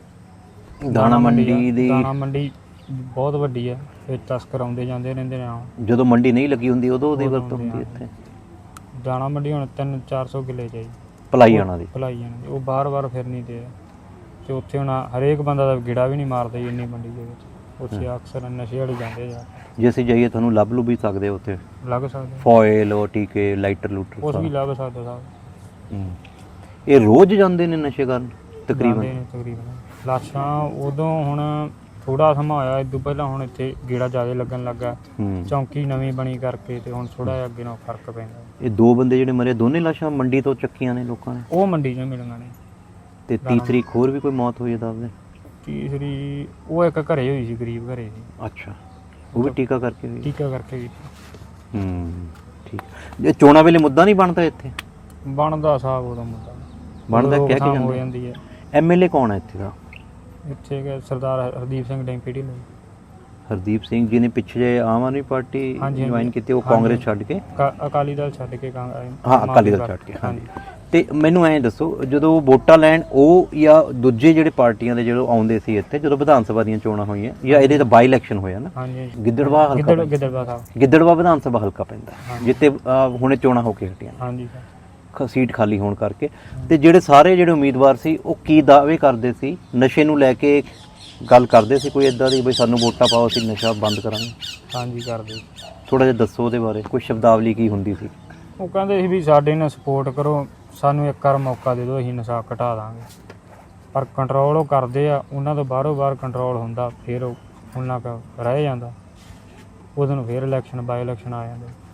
Speaker 2: ਜੀ।
Speaker 5: ਦਾਣਾ ਮੰਡੀ
Speaker 2: ਆ,
Speaker 5: ਦੀ
Speaker 2: ਦਾਣਾ ਮੰਡੀ ਬਹੁਤ ਵੱਡੀ ਹੈ, ਵਿੱਚ ਤਸਕਰ ਆਉਂਦੇ ਜਾਂਦੇ ਰਹਿੰਦੇ ਨੇ। ਆ
Speaker 5: ਜਦੋਂ ਮੰਡੀ ਨਹੀਂ ਲੱਗੀ ਹੁੰਦੀ ਉਦੋਂ ਉਹਦੀ
Speaker 2: ਉਦੋਂ
Speaker 5: ਵਰਤੋਂ
Speaker 2: ਹੁੰਦੀ
Speaker 5: ਹੁੰਦੀ
Speaker 2: ਆ।
Speaker 5: ਇੱਥੇ
Speaker 2: ਦਾਣਾ ਮੰਡੀ ਹੁਣ ਤਿੰਨ ਚਾਰ ਸੌ ਕਿੱਲੇ ਚ ਹੈ ਜੀ,
Speaker 5: ਭਲਾਈਆਣਾ ਦੀ।
Speaker 2: ਭਲਾਈ ਜਾਣੀ ਉਹ ਬਾਰ-ਬਾਰ ਫਿਰਨੀ ਤੇ ਆ। ਤੇ ਉੱਥੇ ਹੁਣ ਹਰੇਕ ਬੰਦਾ ਦਾ ਗੇੜਾ ਵੀ ਨਹੀਂ ਮਾਰਦਾ ਜੀ ਇੰਨੀ ਮੰਡੀ ਦੇ ਵਿੱਚ। ਉੱਥੇ ਅਕਸਰ ਨਸ਼ੇ ਵਾਲੇ ਜਾਂਦੇ ਜਾ,
Speaker 5: ਜੇ ਅਸੀਂ ਜਾਈਏ ਤੁਹਾਨੂੰ ਲੱਭ ਲੂ ਵੀ ਸਕਦੇ ਹੋ ਉੱਥੇ,
Speaker 2: ਲੱਗ ਸਕਦੇ,
Speaker 5: ਫੋਇਲ ਉਹ ਟੀਕੇ, ਲਾਈਟਰ ਲੂਟਰ
Speaker 2: ਉਸ
Speaker 5: ਸਾਰਾ।
Speaker 2: ਵੀ ਲੱਗ ਸਕਦਾ ਸਾਹਿਬ।
Speaker 5: ਹੂੰ। ਇਹ ਰੋਜ਼ ਜਾਂਦੇ ਨੇ ਨਸ਼ੇ ਕਰਨ
Speaker 2: ਜਾਂਦੇ
Speaker 5: ਤਕਰੀਬਨ?
Speaker 2: ਨੇ ਤਕਰੀਬਨ। ਲਾਸ਼ਾਂ ਉਦੋਂ ਹੁਣ ਥੋੜਾ ਸਮਾਂ ਹੋਇਆ, ਇਦੋਂ ਪਹਿਲਾਂ ਹੁਣ ਇੱਥੇ ਗੇੜਾ ਜ਼ਿਆਦਾ ਲੱਗਣ ਲੱਗਾ।
Speaker 9: ਹੂੰ
Speaker 2: ਚੌਂਕੀ ਨਵੀਂ ਬਣੀ ਕਰਕੇ ਤੇ ਹੁਣ ਥੋੜਾ ਜਿਹਾ ਅੱਗੇ ਨਾਲ ਫਰਕ ਪੈਂਦਾ।
Speaker 9: ਇਹ ਦੋ ਬੰਦੇ ਜਿਹੜੇ ਮਰੇ ਦੋਨੇ ਲਾਸ਼ਾਂ ਮੰਡੀ ਤੋਂ ਚੱਕੀਆਂ ਨੇ ਲੋਕਾਂ ਨੇ,
Speaker 2: ਉਹ ਮੰਡੀ 'ਚੋਂ ਮਿਲੀਆਂ ਨੇ।
Speaker 9: ਤੇ ਤੀਸਰੀ ਇੱਕ ਹੋਰ ਵੀ ਕੋਈ ਮੌਤ ਹੋਈ ਹੈ ਦੱਸਦੇ?
Speaker 2: ਤੀਸਰੀ ਉਹ ਇੱਕ ਘਰੇ ਹੋਈ ਸੀ, ਗਰੀਬ ਘਰੇ ਸੀ,
Speaker 9: ਅੱਛਾ, ਉਹ ਵੀ ਟੀਕਾ ਕਰਕੇ ਹੋਈ?
Speaker 2: ਟੀਕਾ ਕਰਕੇ ਵੀ
Speaker 9: ਹੂੰ ਠੀਕ। ਇਹ ਚੋਣਾਂ ਵੇਲੇ ਮੁੱਦਾ ਨਹੀਂ ਬਣਦਾ ਇੱਥੇ?
Speaker 2: ਬਣਦਾ ਸਾਹਿਬ ਉਹਦਾ ਮੁੱਦਾ
Speaker 9: ਬਣਦਾ,
Speaker 2: ਉਦੋਂ
Speaker 9: ਕਹਿ ਕੇ
Speaker 2: ਰੋਕਥਾਮ ਹੋ
Speaker 9: ਜਾਂਦੇ।
Speaker 2: ਜਾਂਦੀ ਹੈ।
Speaker 9: ਐਮਐਲਏ ਕੌਣ ਹੈ ਇੱਥੇ ਦਾ?
Speaker 2: ਇੱਥੇ ਕਿ ਸਰਦਾਰ ਹਰਦੀਪ ਸਿੰਘ ਡੈਂਪੀਟੀ ਨੇ
Speaker 9: ਹਰਦੀਪ ਸਿੰਘ ਜੀ ਨੇ ਪਿੱਛੇ ਆਮ ਆਦਮੀ ਪਾਰਟੀ
Speaker 2: ਹਾਂਜੀ,
Speaker 9: ਜੁਆਇਨ
Speaker 2: ਹਾਂਜੀ।
Speaker 9: ਕੀਤੀ, ਉਹ
Speaker 2: ਹਾਂਜੀ।
Speaker 9: ਕਾਂਗਰਸ ਛੱਡ ਕੇ?
Speaker 2: ਅਕਾ- ਅਕਾਲੀ ਦਲ ਛੱਡ ਕੇ ਕਾਂ-
Speaker 9: ਹਾਂ, ਅਕਾਲੀ ਦਲ ਛੱਡ ਕੇ, ਹਾਂਜੀ। ਤੇ ਮੈਨੂੰ ਐਂ ਦੱਸੋ, ਜਦੋਂ ਵੋਟਾਂ ਲੈਣ ਉਹ ਜਾਂ ਦੂਜੇ ਜਿਹੜੇ ਪਾਰਟੀਆਂ ਦੇ ਜਦੋਂ ਆਉਂਦੇ ਸੀ ਇੱਥੇ, ਜਦੋਂ ਵਿਧਾਨ ਸਭਾ ਦੀਆਂ ਚੋਣਾਂ ਹੋਈਆਂ ਜਾਂ ਇਹਦੇ ਤਾਂ ਬਾਈ ਇਲੈਕਸ਼ਨ ਹੋਇਆ ਨਾ,
Speaker 2: ਹਾਂਜੀ
Speaker 9: ਗਿੱਦੜਵਾ ਹਲਕਾ
Speaker 2: ਗਿੱਦੜ
Speaker 9: ਪੈਂਦਾ।
Speaker 2: ਗਿੱਦੜਵਾ ਸਾਹਿਬ
Speaker 9: ਗਿੱਦੜਵਾ ਵਿਧਾਨ ਸਭਾ ਹਲਕਾ ਪੈਂਦਾ, ਜਿੱਤੇ ਅਹ, ਹੁਣੇ ਚੋਣਾਂ ਹੋ ਕੇ ਹਟੀਆਂ,
Speaker 2: ਹਾਂਜੀ ਸਰ।
Speaker 9: ਖ- ਸੀਟ ਖਾਲੀ ਹੋਣ ਕਰਕੇ। ਤੇ ਜਿਹੜੇ ਸਾਰੇ ਜਿਹੜੇ ਉਮੀਦਵਾਰ ਸੀ ਉਹ ਕੀ ਦਾਅਵੇ ਕਰਦੇ ਸੀ? ਨਸ਼ੇ ਨੂੰ ਲੈ ਕੇ ਗੱਲ ਕਰਦੇ ਸੀ ਕੋਈ ਇਦਾਂ ਦੀ, ਬਈ ਸਾਨੂੰ ਵੋਟਾਂ ਪਾਓ ਅਸੀਂ ਨਸ਼ਾ ਬੰਦ ਕਰਾਂਗੇ?
Speaker 2: ਹਾਂਜੀ ਕਰਦੇ।
Speaker 9: ਥੋੜਾ ਜਿਹਾ ਦੱਸੋ ਉਹਦੇ ਬਾਰੇ, ਕੋਈ ਸ਼ਬਦਾਵਲੀ ਕੀ ਹੁੰਦੀ ਸੀ?
Speaker 2: ਉਹ ਕਹਿੰਦੇ ਸੀ ਵੀ ਸਾਡੇ ਨਾਲ ਸਪੋਰਟ ਕਰੋ, ਸਾਨੂੰ ਇੱਕ ਵਾਰ ਮੌਕਾ ਦੇ ਦਿਓ, ਅਸੀਂ ਨਸ਼ਾ ਘਟਾ ਦਾਂਗੇ। ਪਰ ਕੰਟਰੋਲ ਉਹ ਕਰਦੇ ਆ, ਉਹਨਾਂ ਤੋਂ ਬਾਹਰੋਂ ਬਾਹਰ ਕੰਟਰੋਲ ਹੁੰਦਾ, ਫਿਰ ਉਹ ਉਹਨਾਂ ਕੁ ਰਹਿ ਜਾਂਦਾ। ਉਦੋਂ ਨੂੰ ਫਿਰ ਇਲੈਕਸ਼ਨ ਬਾਈ ਇਲੈਕਸ਼ਨ ਆ ਜਾਂਦੇ।